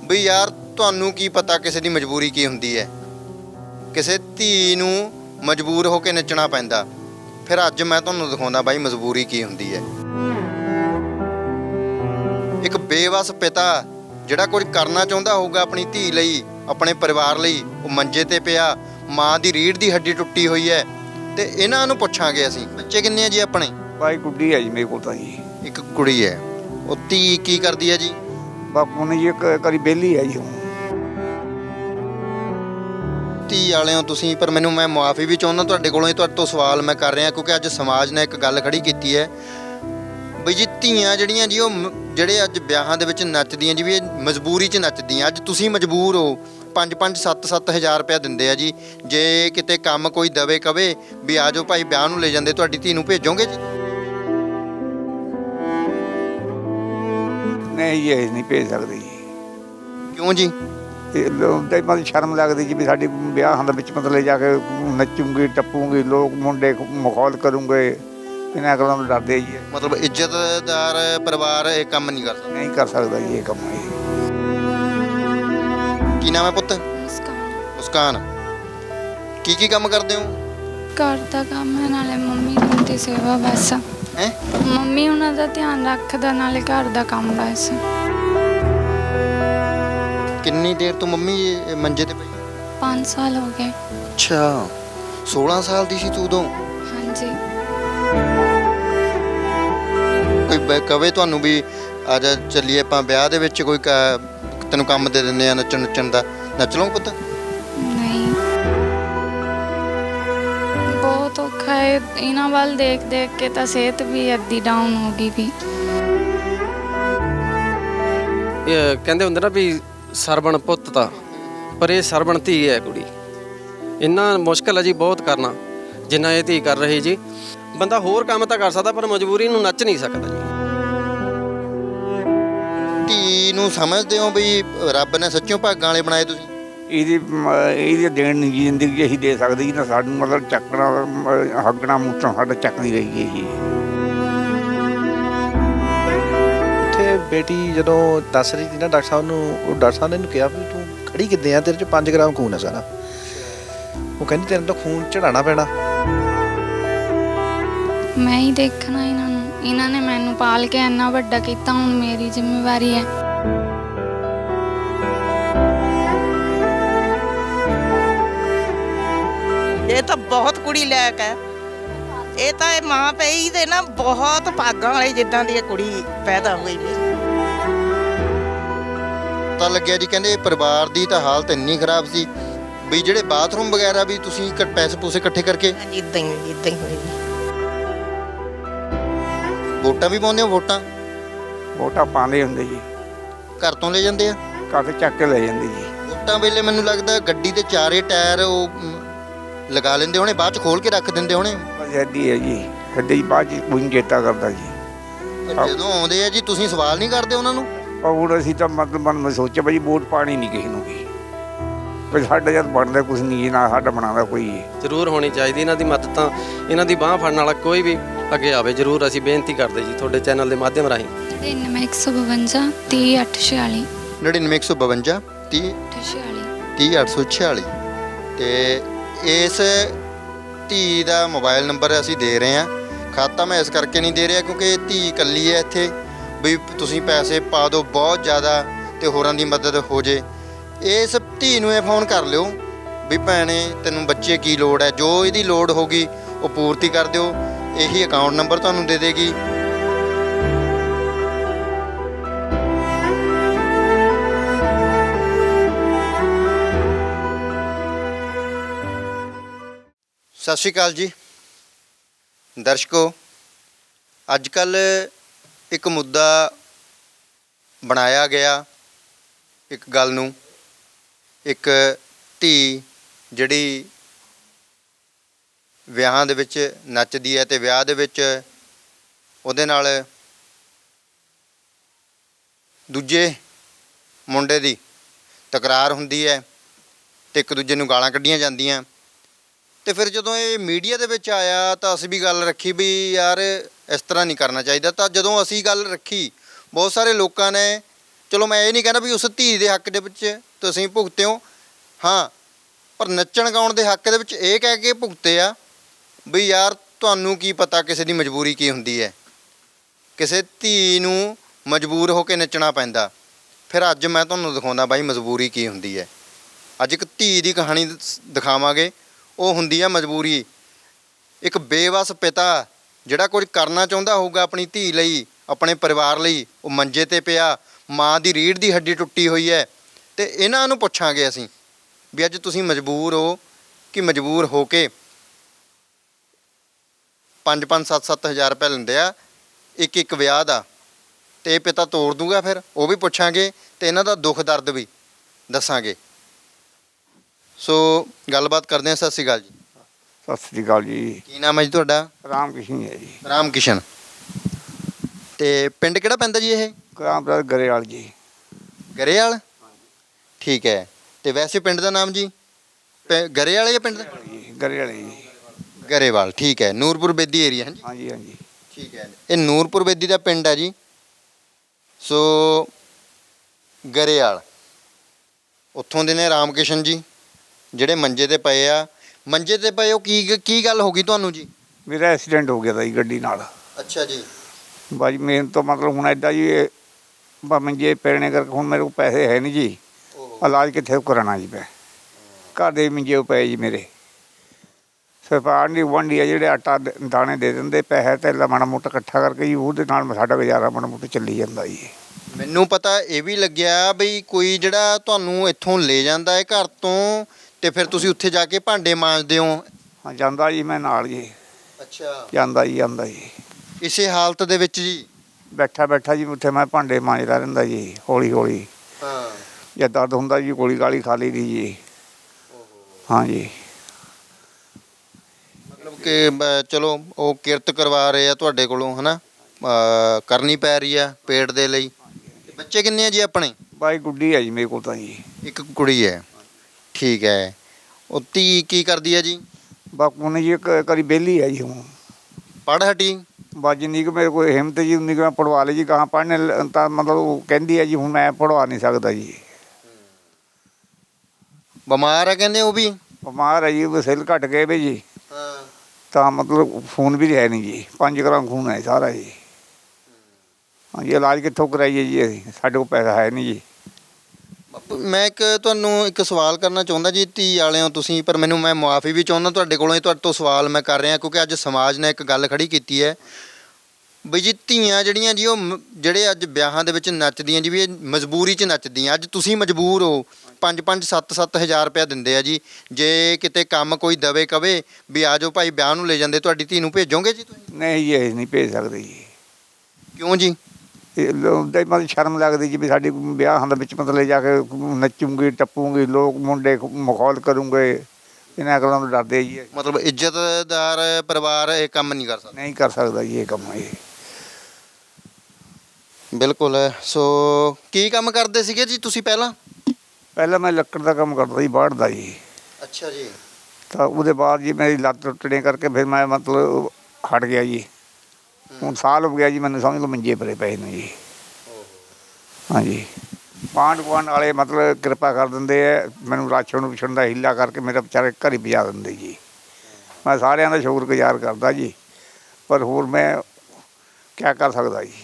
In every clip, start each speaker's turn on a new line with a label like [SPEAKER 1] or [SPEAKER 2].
[SPEAKER 1] ਵੀ ਯਾਰ ਤੁਹਾਨੂੰ ਕੀ ਪਤਾ ਕਿਸੇ ਦੀ ਮਜਬੂਰੀ ਕੀ ਹੁੰਦੀ ਹੈ, ਕਿਸੇ ਧੀ ਨੂੰ ਮਜਬੂਰ ਹੋ ਕੇ ਨੱਚਣਾ ਪੈਂਦਾ। ਫਿਰ ਅੱਜ ਮੈਂ ਤੁਹਾਨੂੰ ਦਿਖਾਉਂਦਾ ਬਾਈ ਮਜਬੂਰੀ ਕੀ ਹੁੰਦੀ ਹੈ। ਇੱਕ ਬੇਵਸ ਪਿਤਾ ਜਿਹੜਾ ਕੁਝ ਕਰਨਾ ਚਾਹੁੰਦਾ ਹੋਊਗਾ ਆਪਣੀ ਧੀ ਲਈ, ਆਪਣੇ ਪਰਿਵਾਰ ਲਈ, ਉਹ ਮੰਜੇ ਤੇ ਪਿਆ, ਮਾਂ ਦੀ ਰੀੜ੍ਹ ਦੀ ਹੱਡੀ ਟੁੱਟੀ ਹੋਈ ਹੈ। ਤੇ ਇਹਨਾਂ ਨੂੰ ਪੁੱਛਾਂਗੇ ਅਸੀਂ, ਬੱਚੇ ਕਿੰਨੇ ਆ ਜੀ ਆਪਣੇ?
[SPEAKER 2] ਭਾਈ ਗੁੱਡੀ ਹੈ ਜੀ ਮੇਰੇ ਕੋਲ ਤਾਂ ਜੀ।
[SPEAKER 1] ਇੱਕ ਕੁੜੀ ਹੈ। ਉਹ ਧੀ ਕੀ ਕਰਦੀ ਹੈ ਜੀ?
[SPEAKER 2] ਬਾਪੂ ਨੇ ਜੀ ਇੱਕ ਵਾਰੀ ਵਿਹਲੀ ਹੈ ਜੀ।
[SPEAKER 1] ਧੀ ਵਾਲਿਓ ਤੁਸੀਂ, ਪਰ ਮੈਨੂੰ ਮੈਂ ਮੁਆਫੀ ਵੀ ਚਾਹੁੰਦਾ ਤੁਹਾਡੇ ਕੋਲੋਂ, ਤੁਹਾਡੇ ਤੋਂ ਸਵਾਲ ਮੈਂ ਕਰ ਰਿਹਾ ਕਿਉਂਕਿ ਅੱਜ ਸਮਾਜ ਨੇ ਇੱਕ ਗੱਲ ਖੜੀ ਕੀਤੀ ਹੈ ਬਈ ਜੀ ਧੀਆਂ ਜਿਹੜੀਆਂ ਜੀ ਉਹ ਜਿਹੜੇ ਅੱਜ ਵਿਆਹਾਂ ਦੇ ਵਿੱਚ ਨੱਚਦੀਆਂ ਜੀ, ਵੀ ਇਹ ਮਜਬੂਰੀ 'ਚ ਨੱਚਦੀਆਂ। ਅੱਜ ਤੁਸੀਂ ਮਜਬੂਰ ਹੋ, 5-5 7-7 ਹਜ਼ਾਰ ਰੁਪਇਆ ਦਿੰਦੇ ਆ ਜੀ। ਜੇ ਕਿਤੇ ਕੰਮ ਕੋਈ ਦਵੇ ਕਵੇ ਵੀ ਆ ਜਾਓ ਭਾਈ ਵਿਆਹ ਨੂੰ ਲੈ ਜਾਂਦੇ, ਤੁਹਾਡੀ ਧੀ ਨੂੰ ਭੇਜੋਗੇ ਜੀ?
[SPEAKER 2] ਨਹੀਂ ਜੀ, ਇਹ ਨਹੀਂ ਭੇਜ ਸਕਦੇ ਜੀ।
[SPEAKER 1] ਕਿਉਂ ਜੀ?
[SPEAKER 2] ਉਹਦਾ ਮਤਲਬ ਸ਼ਰਮ ਲੱਗਦੀ ਜੀ ਵੀ ਸਾਡੇ ਵਿਆਹਾਂ ਦੇ ਵਿੱਚ ਮਤਲਬ ਜਾ ਕੇ ਨੱਚੂਗੀ ਟੱਪੂਗੀ, ਲੋਕ ਮੁੰਡੇ ਮਖੌਲ ਕਰੂੰਗੇ, ਇਹਨਾਂ ਗੱਲਾਂ ਤੋਂ ਡਰਦੇ ਜੀ।
[SPEAKER 1] ਮਤਲਬ ਇੱਜ਼ਤਦਾਰ ਪਰਿਵਾਰ ਇਹ ਕੰਮ ਨਹੀਂ ਕਰ ਸਕਦਾ?
[SPEAKER 2] ਨਹੀਂ ਕਰ ਸਕਦਾ ਜੀ ਇਹ ਕੰਮ। ਇਹ
[SPEAKER 1] ਕੀ ਨਾਮ ਹੈ ਪੁੱਤ? ਮੁਸਕਾਨ। ਕੀ ਕੰਮ ਕਰਦੇ ਹੋ?
[SPEAKER 3] ਘਰ ਦਾ ਕੰਮ ਹੈ, ਨਾਲੇ ਮੰਮੀ ਦੀ ਸੇਵਾ ਬਸ।
[SPEAKER 1] ਹੈ
[SPEAKER 3] ਮੰਮੀ ਉਹਨਾਂ ਦਾ ਧਿਆਨ ਰੱਖਦਾ, ਨਾਲੇ ਘਰ ਦਾ ਕੰਮ ਬਸ।
[SPEAKER 1] ਕਿੰਨੀ ਦੇਰ ਤੋਂ ਮੰਮੀ ਮੰਜੇ ਤੇ ਪਈ?
[SPEAKER 3] 5 ਸਾਲ ਹੋ ਗਏ।
[SPEAKER 1] ਅੱਛਾ, 16 ਸਾਲ ਦੀ ਸੀ ਤੂੰ ਉਦੋਂ?
[SPEAKER 3] ਹਾਂਜੀ।
[SPEAKER 1] ਕੋਈ ਕਵੇ ਤੁਹਾਨੂੰ ਵੀ ਆ ਜਾ ਚੱਲੀਏ ਆਪਾਂ ਵਿਆਹ ਦੇ ਵਿੱਚ, ਕੋਈ ਤੈਨੂੰ ਕੰਮ ਦੇ ਦਿੰਦੇ ਆ ਨੱਚਣ ਦਾ, ਨੱਚ ਲਓ ਪੁੱਤ?
[SPEAKER 3] ਨਹੀਂ, ਬਹੁਤ ਔਖਾ ਹੈ। ਇਹਨਾਂ ਵੱਲ ਦੇਖ ਦੇਖ ਕੇ ਤਾਂ ਸਿਹਤ ਵੀ ਅੱਧੀ ਡਾਊਨ ਹੋ ਗਈ ਵੀ।
[SPEAKER 4] ਇਹ ਕਹਿੰਦੇ ਹੁੰਦੇ ਨਾ ਵੀ ਸਰਬਣ ਪੁੱਤ ਤਾਂ, ਪਰ ਇਹ ਸਰਬਣ ਧੀ ਹੈ ਕੁੜੀ। ਇੰਨਾ ਮੁਸ਼ਕਿਲ ਹੈ ਜੀ ਬਹੁਤ ਕਰਨਾ ਜਿੰਨਾ ਇਹ ਧੀ ਕਰ ਰਹੀ ਜੀ। ਬੰਦਾ ਹੋਰ ਕੰਮ ਤਾਂ ਕਰ ਸਕਦਾ ਪਰ ਮਜਬੂਰੀ ਨੂੰ ਨੱਚ ਨਹੀਂ ਸਕਦਾ ਜੀ।
[SPEAKER 1] ਧੀ ਨੂੰ ਸਮਝਦੇ ਹੋ ਵੀ ਰੱਬ ਨੇ ਸੱਚੋਂ ਭਾਗਾਂ ਵਾਲੇ ਬਣਾਏ ਤੁਸੀਂ?
[SPEAKER 2] ਇਹਦੀ ਦੇਣ ਨਹੀਂ ਜੀ ਜ਼ਿੰਦਗੀ ਇਹੀ ਦੇ ਸਕਦੀ ਜੀ ਨਾ। ਸਾਨੂੰ ਮਤਲਬ ਚੱਕਣਾ ਹੱਗਣਾ ਮੁੱਟਣਾ ਸਾਡਾ ਚੱਕਦੀ ਰਹੀ ਹੈ ਜੀ।
[SPEAKER 5] ਉੱਥੇ ਬੇਟੀ ਜਦੋਂ ਦੱਸ ਰਹੀ ਸੀ ਨਾ ਡਾਕਟਰ ਸਾਹਿਬ ਨੂੰ, ਉਹ ਡਾਕਟਰ ਸਾਹਿਬ ਨੇ ਇਹਨੂੰ ਕਿਹਾ ਵੀ ਤੂੰ ਖੜੀ ਕਿੱਦਾਂ ਆ, ਤੇਰੇ 'ਚ 5 ਗ੍ਰਾਮ ਖੂਨ ਹੈ ਸਾਰਾ। ਉਹ ਕਹਿੰਦੀ ਤੈਨੂੰ ਤਾਂ ਖੂਨ ਚੜਾਉਣਾ ਪੈਣਾ।
[SPEAKER 3] ਮੈਂ ਹੀ ਦੇਖਣਾ ਇਹਨਾਂ ਨੂੰ। ਇਹਨਾਂ ਨੇ ਮੈਨੂੰ ਪਾਲ ਕੇ ਇੰਨਾ ਵੱਡਾ ਕੀਤਾ, ਹੁਣ ਮੇਰੀ ਜ਼ਿੰਮੇਵਾਰੀ ਹੈ।
[SPEAKER 6] ਇਹ ਤਾਂ ਬਹੁਤ ਕੁੜੀ ਲਾਇਕ ਹੈ। ਇਹ ਤਾਂ ਇਹ ਮਾਂ ਪਈ ਤੇ ਨਾ ਬਹੁਤ ਭਾਗਾਂ ਵਾਲੀ ਜਿੱਦਾਂ ਦੀ ਇਹ ਕੁੜੀ ਪੈਦਾ ਹੋਈ ਵੀ।
[SPEAKER 1] ਪਤਾ ਲੱਗਿਆ ਜੀ ਕਹਿੰਦੇ ਪਰਿਵਾਰ ਦੀ ਤਾਂ ਹਾਲਤ ਇੰਨੀ ਖਰਾਬ ਸੀ ਵੀ ਜਿਹੜੇ ਬਾਥਰੂਮ ਵਗੈਰਾ ਵੀ ਤੁਸੀਂ ਪੈਸੇ ਪੂਸੇ ਇਕੱਠੇ ਕਰਕੇ
[SPEAKER 6] ਇਦਾਂ ਹੀ ਹੋਈ।
[SPEAKER 1] ਵੋਟਾਂ ਵੀ ਪਾਉਂਦੇ ਹੋ?
[SPEAKER 2] ਵੋਟਾਂ ਪਾਉਂਦੇ ਹੁੰਦੇ ਜੀ,
[SPEAKER 1] ਘਰ ਤੋਂ ਲੈ ਜਾਂਦੇ ਆ?
[SPEAKER 2] ਘਰ ਤੋਂ ਚੱਕ ਕੇ ਲੈ ਜਾਂਦੇ ਜੀ।
[SPEAKER 1] ਵੋਟਾਂ ਵੇਲੇ ਮੈਨੂੰ ਲੱਗਦਾ ਗੱਡੀ ਦੇ ਚਾਰੇ ਟਾਇਰ ਉਹ ਲਗਾ ਲੈਂਦੇ ਹੋਣੇ, ਬਾਅਦ ਚ ਖੋਲ ਕੇ ਰੱਖ ਦਿੰਦੇ ਹੋਣੇ।
[SPEAKER 2] ਬਸ ਐਡੀ ਹੈ ਜੀ, ਐਡੀ ਹੀ ਬਾਅਦ 'ਚ ਕੋਈ ਨਹੀਂ ਚੇਤਾ ਕਰਦਾ ਜੀ।
[SPEAKER 1] ਜਦੋਂ ਆਉਂਦੇ ਆ ਜੀ ਤੁਸੀਂ ਸਵਾਲ ਨਹੀਂ ਕਰਦੇ ਉਹਨਾਂ ਨੂੰ?
[SPEAKER 2] ਪਰ ਹੁਣ ਅਸੀਂ ਤਾਂ ਮਤਲਬ ਮਨ ਮੈਂ ਸੋਚਿਆ ਭਾਈ ਵੋਟ ਪਾਣੀ ਨਹੀਂ ਕਿਸੇ ਨੂੰ ਵੀ, ਪਰ ਸਾਡਾ ਜਦ ਬਣਦਾ ਕੁਛ ਨਹੀਂ ਜੀ, ਨਾ ਸਾਡਾ ਬਣਾਉਂਦਾ ਕੋਈ।
[SPEAKER 4] ਜ਼ਰੂਰ ਹੋਣੀ ਚਾਹੀਦੀ ਇਹਨਾਂ ਦੀ ਮਦਦ। ਤਾਂ ਇਹਨਾਂ ਦੀ ਬਾਹ ਫੜਨ ਵਾਲਾ ਕੋਈ ਵੀ ਅੱਗੇ ਆਵੇ, ਜ਼ਰੂਰ ਅਸੀਂ ਬੇਨਤੀ ਕਰਦੇ ਜੀ ਤੁਹਾਡੇ ਚੈਨਲ ਦੇ ਮਾਧਿਅਮ ਰਾਹੀਂ।
[SPEAKER 3] 99 152 30 846
[SPEAKER 1] 99 152 30 846 ਤੇ ਇਸ ਧੀ ਦਾ ਮੋਬਾਈਲ ਨੰਬਰ ਅਸੀਂ ਦੇ ਰਹੇ ਹਾਂ। ਖਾਤਾ ਮੈਂ ਇਸ ਕਰਕੇ ਨਹੀਂ ਦੇ ਰਿਹਾ ਕਿਉਂਕਿ ਧੀ ਇਕੱਲੀ ਹੈ ਇੱਥੇ, ਵੀ ਤੁਸੀਂ ਪੈਸੇ ਪਾ ਦਿਓ ਬਹੁਤ ਜ਼ਿਆਦਾ ਤੇ ਹੋਰਾਂ ਦੀ ਮਦਦ ਹੋ ਜੇ। ਇਸ ਧੀ ਨੂੰ ਇਹ ਫੋਨ ਕਰ ਲਿਓ ਵੀ ਭੈਣੇ ਤੈਨੂੰ ਬੱਚੇ ਕੀ ਲੋੜ ਹੈ, ਜੋ ਇਹਦੀ ਲੋੜ ਹੋਗੀ ਉਹ ਪੂਰਤੀ ਕਰ ਦਿਓ। ਇਹੀ ਅਕਾਊਂਟ ਨੰਬਰ ਤੁਹਾਨੂੰ ਦੇ ਦੇਗੀ। ਸਤਿ ਸ਼੍ਰੀ ਅਕਾਲ ਜੀ ਦਰਸ਼ਕੋ, ਅੱਜ ਕੱਲ੍ਹ ਇੱਕ ਮੁੱਦਾ ਬਣਾਇਆ ਗਿਆ, ਇੱਕ ਗੱਲ ਨੂੰ, ਇੱਕ ਧੀ ਜਿਹੜੀ ਵਿਆਹਾਂ ਦੇ ਵਿੱਚ ਨੱਚਦੀ ਹੈ ਤੇ ਵਿਆਹ ਦੇ ਵਿੱਚ ਉਹਦੇ ਨਾਲ ਦੂਜੇ ਮੁੰਡੇ ਦੀ ਤਕਰਾਰ ਹੁੰਦੀ ਹੈ ਤੇ ਇੱਕ ਦੂਜੇ ਨੂੰ ਗਾਲਾਂ ਕੱਢੀਆਂ ਜਾਂਦੀਆਂ। ਤੇ ਫਿਰ ਜਦੋਂ ਇਹ ਮੀਡੀਆ ਦੇ ਵਿੱਚ ਆਇਆ ਤਾਂ ਅਸੀਂ ਵੀ ਗੱਲ ਰੱਖੀ ਵੀ ਯਾਰ ਇਸ ਤਰ੍ਹਾਂ ਨਹੀਂ ਕਰਨਾ ਚਾਹੀਦਾ। ਤਾਂ ਜਦੋਂ ਅਸੀਂ ਗੱਲ ਰੱਖੀ ਬਹੁਤ ਸਾਰੇ ਲੋਕਾਂ ਨੇ ਚਲੋ ਮੈਂ ਇਹ ਨਹੀਂ ਕਹਿੰਦਾ ਵੀ ਉਸ ਧੀ ਦੇ ਹੱਕ ਦੇ ਵਿੱਚ ਤੁਸੀਂ ਭੁਗਤੇ ਹੋ, ਹਾਂ, ਪਰ ਨੱਚਣ ਗਾਉਣ ਦੇ ਹੱਕ ਦੇ ਵਿੱਚ ਇਹ ਕਹਿ ਕੇ ਭੁਗਤੇ ਆ ਵੀ ਯਾਰ ਤੁਹਾਨੂੰ ਕੀ ਪਤਾ ਕਿਸੇ ਦੀ ਮਜਬੂਰੀ ਕੀ ਹੁੰਦੀ ਹੈ, ਕਿਸੇ ਧੀ ਨੂੰ ਮਜਬੂਰ ਹੋ ਕੇ ਨੱਚਣਾ ਪੈਂਦਾ। ਫਿਰ ਅੱਜ ਮੈਂ ਤੁਹਾਨੂੰ ਦਿਖਾਉਂਦਾ ਬਾਈ ਮਜਬੂਰੀ ਕੀ ਹੁੰਦੀ ਹੈ। ਅੱਜ ਇੱਕ ਧੀ ਦੀ ਕਹਾਣੀ ਦਿਖਾਵਾਂਗੇ, ਉਹ ਹੁੰਦੀ ਆ ਮਜਬੂਰੀ। ਇੱਕ ਬੇਵਸ ਪਿਤਾ ਜਿਹੜਾ ਕੁਝ ਕਰਨਾ ਚਾਹੁੰਦਾ ਹੋਊਗਾ ਆਪਣੀ ਧੀ ਲਈ, ਆਪਣੇ ਪਰਿਵਾਰ ਲਈ, ਉਹ ਮੰਜੇ ਤੇ ਪਿਆ, ਮਾਂ ਦੀ ਰੀੜ੍ਹ ਦੀ ਹੱਡੀ ਟੁੱਟੀ ਹੋਈ ਹੈ। ਤੇ ਇਹਨਾਂ ਨੂੰ ਪੁੱਛਾਂਗੇ ਅਸੀਂ ਵੀ ਅੱਜ ਤੁਸੀਂ ਮਜਬੂਰ ਹੋ ਕਿ ਮਜਬੂਰ ਹੋ ਕੇ 5-5 7-7 ਹਜ਼ਾਰ ਰੁਪਏ ਲੈਂਦੇ ਆ ਇੱਕ ਵਿਆਹ ਦਾ, ਤੇ ਇਹ ਪਿਤਾ ਤੋੜ ਦੂਗਾ, ਫਿਰ ਉਹ ਵੀ ਪੁੱਛਾਂਗੇ ਤੇ ਇਹਨਾਂ ਦਾ ਦੁੱਖ ਦਰਦ ਵੀ ਦੱਸਾਂਗੇ। ਸੋ ਗੱਲਬਾਤ ਕਰਦੇ ਹਾਂ। ਸਤਿ ਸ਼੍ਰੀ ਅਕਾਲ ਜੀ।
[SPEAKER 2] ਸਤਿ ਸ੍ਰੀ ਅਕਾਲ ਜੀ।
[SPEAKER 1] ਕੀ ਨਾਮ ਹੈ ਜੀ ਤੁਹਾਡਾ?
[SPEAKER 2] ਰਾਮ ਕਿਸ਼ਨ ਹੈ ਜੀ।
[SPEAKER 1] ਰਾਮ ਕਿਸ਼ਨ। ਤੇ ਪਿੰਡ ਕਿਹੜਾ ਪੈਂਦਾ ਜੀ ਇਹ?
[SPEAKER 2] ਰਾਮਪੁਰ ਗਰੇਵਾਲ ਜੀ।
[SPEAKER 1] ਗਰੇਵਾਲ, ਠੀਕ ਹੈ। ਤੇ ਵੈਸੇ ਪਿੰਡ ਦਾ ਨਾਮ ਜੀ ਗਰੇਵਾਲ ਹੈ ਪਿੰਡ ਦਾ?
[SPEAKER 2] ਜੀ ਗਰੇਵਾਲ ਜੀ।
[SPEAKER 1] ਗਰੇਵਾਲ, ਠੀਕ ਹੈ। ਨੂਰਪੁਰ ਬੇਦੀ ਏਰੀਆ ਹੈ ਜੀ?
[SPEAKER 2] ਹਾਂਜੀ ਹਾਂਜੀ।
[SPEAKER 1] ਠੀਕ ਹੈ। ਇਹ ਨੂਰਪੁਰ ਬੇਦੀ ਦਾ ਪਿੰਡ ਹੈ ਜੀ। ਸੋ ਗਰੇਵਾਲ ਉੱਥੋਂ ਦੇ ਨੇ ਰਾਮ ਕਿਸ਼ਨ ਜੀ, ਜਿਹੜੇ ਮੰਜੇ ਤੇ ਪਏ ਆ। ਮੰਜੇ ਤੇ ਪਏ ਉਹ ਕੀ ਗੱਲ ਹੋ ਗਈ ਤੁਹਾਨੂੰ ਜੀ?
[SPEAKER 2] ਮੇਰਾ ਐਕਸੀਡੈਂਟ ਹੋ ਗਿਆ ਤਾ ਜੀ ਗੱਡੀ ਨਾਲ।
[SPEAKER 1] ਅੱਛਾ ਜੀ।
[SPEAKER 2] ਬਾਜੀ ਮੇਨ ਤੋਂ ਮਤਲਬ ਹੁਣ ਐਡਾ ਜੀ ਮੰਜੇ ਪੈਣੇ ਕਰਕੇ ਹੁਣ ਮੇਰੇ ਕੋਲ ਪੈਸੇ ਹੈ ਨਹੀਂ ਜੀ। ਇਲਾਜ ਕਿੱਥੇ ਕਰਾਉਣਾ ਜੀ? ਮੈਂ ਘਰ ਦੇ ਮੰਜੇ ਪਏ ਜੀ ਮੇਰੇ। ਸਰਕਾਰ ਦੀ ਗੁਆਂਢੀ ਆ ਜਿਹੜੇ ਆਟਾ ਦਾਣੇ ਦੇ ਦਿੰਦੇ, ਪੈਸੇ ਧੇਲਾ ਮਾੜਾ ਮੋਟਾ ਇਕੱਠਾ ਕਰਕੇ ਜੀ ਉਹਦੇ ਨਾਲ ਸਾਡਾ ਗੁਜ਼ਾਰਾ ਮਾੜਾ ਮੋਟਾ ਚੱਲੀ ਜਾਂਦਾ ਜੀ।
[SPEAKER 1] ਮੈਨੂੰ ਪਤਾ ਇਹ ਵੀ ਲੱਗਿਆ ਬਈ ਕੋਈ ਜਿਹੜਾ ਤੁਹਾਨੂੰ ਇੱਥੋਂ ਲੈ ਜਾਂਦਾ ਹੈ ਘਰ ਤੋਂ, ਤੇ ਫਿਰ ਤੁਸੀਂ ਉੱਥੇ ਜਾ ਕੇ ਭਾਂਡੇ ਮਾਂਜਦੇ ਹੋ?
[SPEAKER 2] ਹਾਂ ਜਾਂਦਾ ਜੀ ਮੈਂ ਨਾਲ ਜੀ।
[SPEAKER 1] ਅੱਛਾ।
[SPEAKER 2] ਜਾਂਦਾ ਜੀ ਜਾਂਦਾ ਜੀ।
[SPEAKER 1] ਇਸੇ ਹਾਲਤ ਦੇ ਵਿੱਚ ਜੀ?
[SPEAKER 2] ਬੈਠਾ ਜੀ ਉੱਥੇ ਮੈਂ ਭਾਂਡੇ ਮਾਂਜਦਾ ਰਹਿੰਦਾ ਜੀ ਹੌਲੀ ਹੌਲੀ।
[SPEAKER 1] ਹਾਂ।
[SPEAKER 2] ਜੇ ਦਰਦ ਹੁੰਦਾ ਜੀ ਗੋਲੀ ਗਾਲੀ ਖਾ ਲਈ ਦੀ ਜੀ। ਹਾਂ ਜੀ।
[SPEAKER 1] ਮਤਲਬ ਕਿ ਚਲੋ ਉਹ ਕਿਰਤ ਕਰਵਾ ਰਹੇ ਆ ਤੁਹਾਡੇ ਕੋਲੋਂ, ਹੈ ਨਾ, ਕਰਨੀ ਪੈ ਰਹੀ ਆ ਪੇਟ ਦੇ ਲਈ। ਬੱਚੇ ਕਿੰਨੇ ਆ ਜੀ ਆਪਣੇ?
[SPEAKER 2] ਬਾਈ ਗੁੱਡੀ ਹੈ ਜੀ ਮੇਰੇ ਕੋਲ ਤਾਂ ਜੀ।
[SPEAKER 1] ਇੱਕ ਕੁੜੀ ਹੈ, ਠੀਕ ਹੈ। ਉਹ ਧੀ ਕੀ ਕਰਦੀ ਹੈ ਜੀ?
[SPEAKER 2] ਬਾਪੂ ਨੇ ਜੀ ਇੱਕ ਕਰੀ ਵਿਹਲੀ ਹੈ ਜੀ ਹੁਣ।
[SPEAKER 1] ਪੜ੍ਹ ਹਟੀ?
[SPEAKER 2] ਬਸ ਜਿੰਨੀ ਕੁ ਮੇਰੇ ਕੋਲ ਹਿੰਮਤ ਜੀ ਉਨੀ ਕੁ ਮੈਂ ਪੜਵਾ ਲਈ ਜੀ। ਗਾਹਾਂ ਪੜ੍ਹਨੇ ਤਾਂ ਮਤਲਬ ਉਹ ਕਹਿੰਦੀ ਹੈ ਜੀ ਹੁਣ ਮੈਂ ਪੜਵਾ ਨਹੀਂ ਸਕਦਾ ਜੀ।
[SPEAKER 1] ਬਿਮਾਰ ਹੈ ਕਹਿੰਦੇ ਉਹ ਵੀ?
[SPEAKER 2] ਬਿਮਾਰ ਹੈ ਜੀ, ਉਹ ਸੈੱਲ ਘਟ ਗਏ ਵੇ ਜੀ।
[SPEAKER 1] ਹਾਂ।
[SPEAKER 2] ਤਾਂ ਮਤਲਬ ਖੂਨ ਵੀ ਹੈ ਨਹੀਂ ਜੀ। 5 ਗ੍ਰਾਮ ਖੂਨ ਹੈ ਸਾਰਾ ਜੀ। ਹਾਂਜੀ। ਇਲਾਜ ਕਿੱਥੋਂ ਕਰਾਈਏ ਜੀ ਅਸੀਂ? ਸਾਡੇ ਕੋਲ ਪੈਸਾ ਹੈ ਨਹੀਂ ਜੀ।
[SPEAKER 1] ਮੈਂ ਤੁਹਾਨੂੰ ਇੱਕ ਸਵਾਲ ਕਰਨਾ ਚਾਹੁੰਦਾ ਜੀ। ਧੀ ਵਾਲੇ ਹੋ ਤੁਸੀਂ, ਪਰ ਮੈਂ ਮੁਆਫੀ ਵੀ ਚਾਹੁੰਦਾ ਤੁਹਾਡੇ ਕੋਲੋਂ। ਤੁਹਾਡੇ ਤੋਂ ਸਵਾਲ ਮੈਂ ਕਰ ਰਿਹਾ ਕਿਉਂਕਿ ਅੱਜ ਸਮਾਜ ਨੇ ਇੱਕ ਗੱਲ ਖੜੀ ਕੀਤੀ ਹੈ ਬਈ ਜੀ ਧੀਆਂ ਜਿਹੜੀਆਂ ਜੀ ਉਹ ਜਿਹੜੇ ਅੱਜ ਵਿਆਹਾਂ ਦੇ ਵਿੱਚ ਨੱਚਦੀਆਂ ਜੀ, ਵੀ ਇਹ ਮਜਬੂਰੀ 'ਚ ਨੱਚਦੀਆਂ। ਅੱਜ ਤੁਸੀਂ ਮਜਬੂਰ ਹੋ, 5-5 7-7 ਹਜ਼ਾਰ ਰੁਪਇਆ ਦਿੰਦੇ ਆ ਜੀ। ਜੇ ਕਿਤੇ ਕੰਮ ਕੋਈ ਦਵੇ ਕਵੇ ਵੀ ਆ ਜਾਓ ਭਾਈ ਵਿਆਹ ਨੂੰ ਲੈ ਜਾਂਦੇ, ਤੁਹਾਡੀ ਧੀ ਨੂੰ ਭੇਜੋਗੇ ਜੀ ਤੁਸੀਂ?
[SPEAKER 2] ਨਹੀਂ ਜੀ ਅਸੀਂ ਨਹੀਂ ਭੇਜ ਸਕਦੇ ਜੀ।
[SPEAKER 1] ਕਿਉਂ ਜੀ?
[SPEAKER 2] ਇਹ ਉਹਦਾ ਹੀ ਮਤਲਬ ਸ਼ਰਮ ਲੱਗਦੀ ਜੀ ਵੀ ਸਾਡੀ ਵਿਆਹਾਂ ਦੇ ਵਿੱਚ ਮਤਲਬ ਜਾ ਕੇ ਨੱਚੂਗੀ ਟੱਪੂਗੀ, ਲੋਕ ਮੁੰਡੇ ਮਖੌਲ ਕਰੂੰਗੇ, ਇਹਨਾਂ ਗੱਲਾਂ ਤੋਂ ਡਰਦੇ ਜੀ।
[SPEAKER 1] ਮਤਲਬ ਇੱਜ਼ਤਦਾਰ ਪਰਿਵਾਰ ਇਹ ਕੰਮ ਨਹੀਂ ਕਰ ਸਕਦਾ?
[SPEAKER 2] ਨਹੀਂ ਕਰ ਸਕਦਾ ਜੀ ਇਹ ਕੰਮ। ਇਹ
[SPEAKER 1] ਬਿਲਕੁਲ। ਸੋ ਕੀ ਕੰਮ ਕਰਦੇ ਸੀਗੇ ਜੀ ਤੁਸੀਂ ਪਹਿਲਾਂ?
[SPEAKER 2] ਪਹਿਲਾਂ ਮੈਂ ਲੱਕੜ ਦਾ ਕੰਮ ਕਰਦਾ ਜੀ, ਬਾੜ ਦਾ ਜੀ।
[SPEAKER 1] ਅੱਛਾ ਜੀ।
[SPEAKER 2] ਤਾਂ ਉਹਦੇ ਬਾਅਦ ਜੀ ਮੇਰੀ ਲੱਤ ਟੁੱਟਣੇ ਕਰਕੇ ਫਿਰ ਮੈਂ ਮਤਲਬ ਹਟ ਗਿਆ ਜੀ। ਹੁਣ ਸਾਲ ਹੋ ਗਿਆ ਜੀ ਮੈਨੂੰ ਸਮਝ ਲਓ ਮੰਜੇ ਪਰੇ ਪਏ ਨੇ ਜੀ। ਹਾਂਜੀ। ਆਂਢ ਗੁਆਂਢ ਵਾਲੇ ਮਤਲਬ ਕਿਰਪਾ ਕਰ ਦਿੰਦੇ ਆ, ਮੈਨੂੰ ਰਾਸ਼ਨ ਰੂਸ਼ਨ ਦਾ ਹੀਲਾ ਕਰਕੇ ਮੇਰਾ ਵਿਚਾਰੇ ਘਰ ਹੀ ਪਜਾ ਦਿੰਦੇ ਜੀ। ਮੈਂ ਸਾਰਿਆਂ ਦਾ ਸ਼ੁਕਰਗੁਜ਼ਾਰ ਕਰਦਾ ਜੀ, ਪਰ ਹੋਰ ਮੈਂ ਕਿਆ ਕਰ ਸਕਦਾ ਜੀ।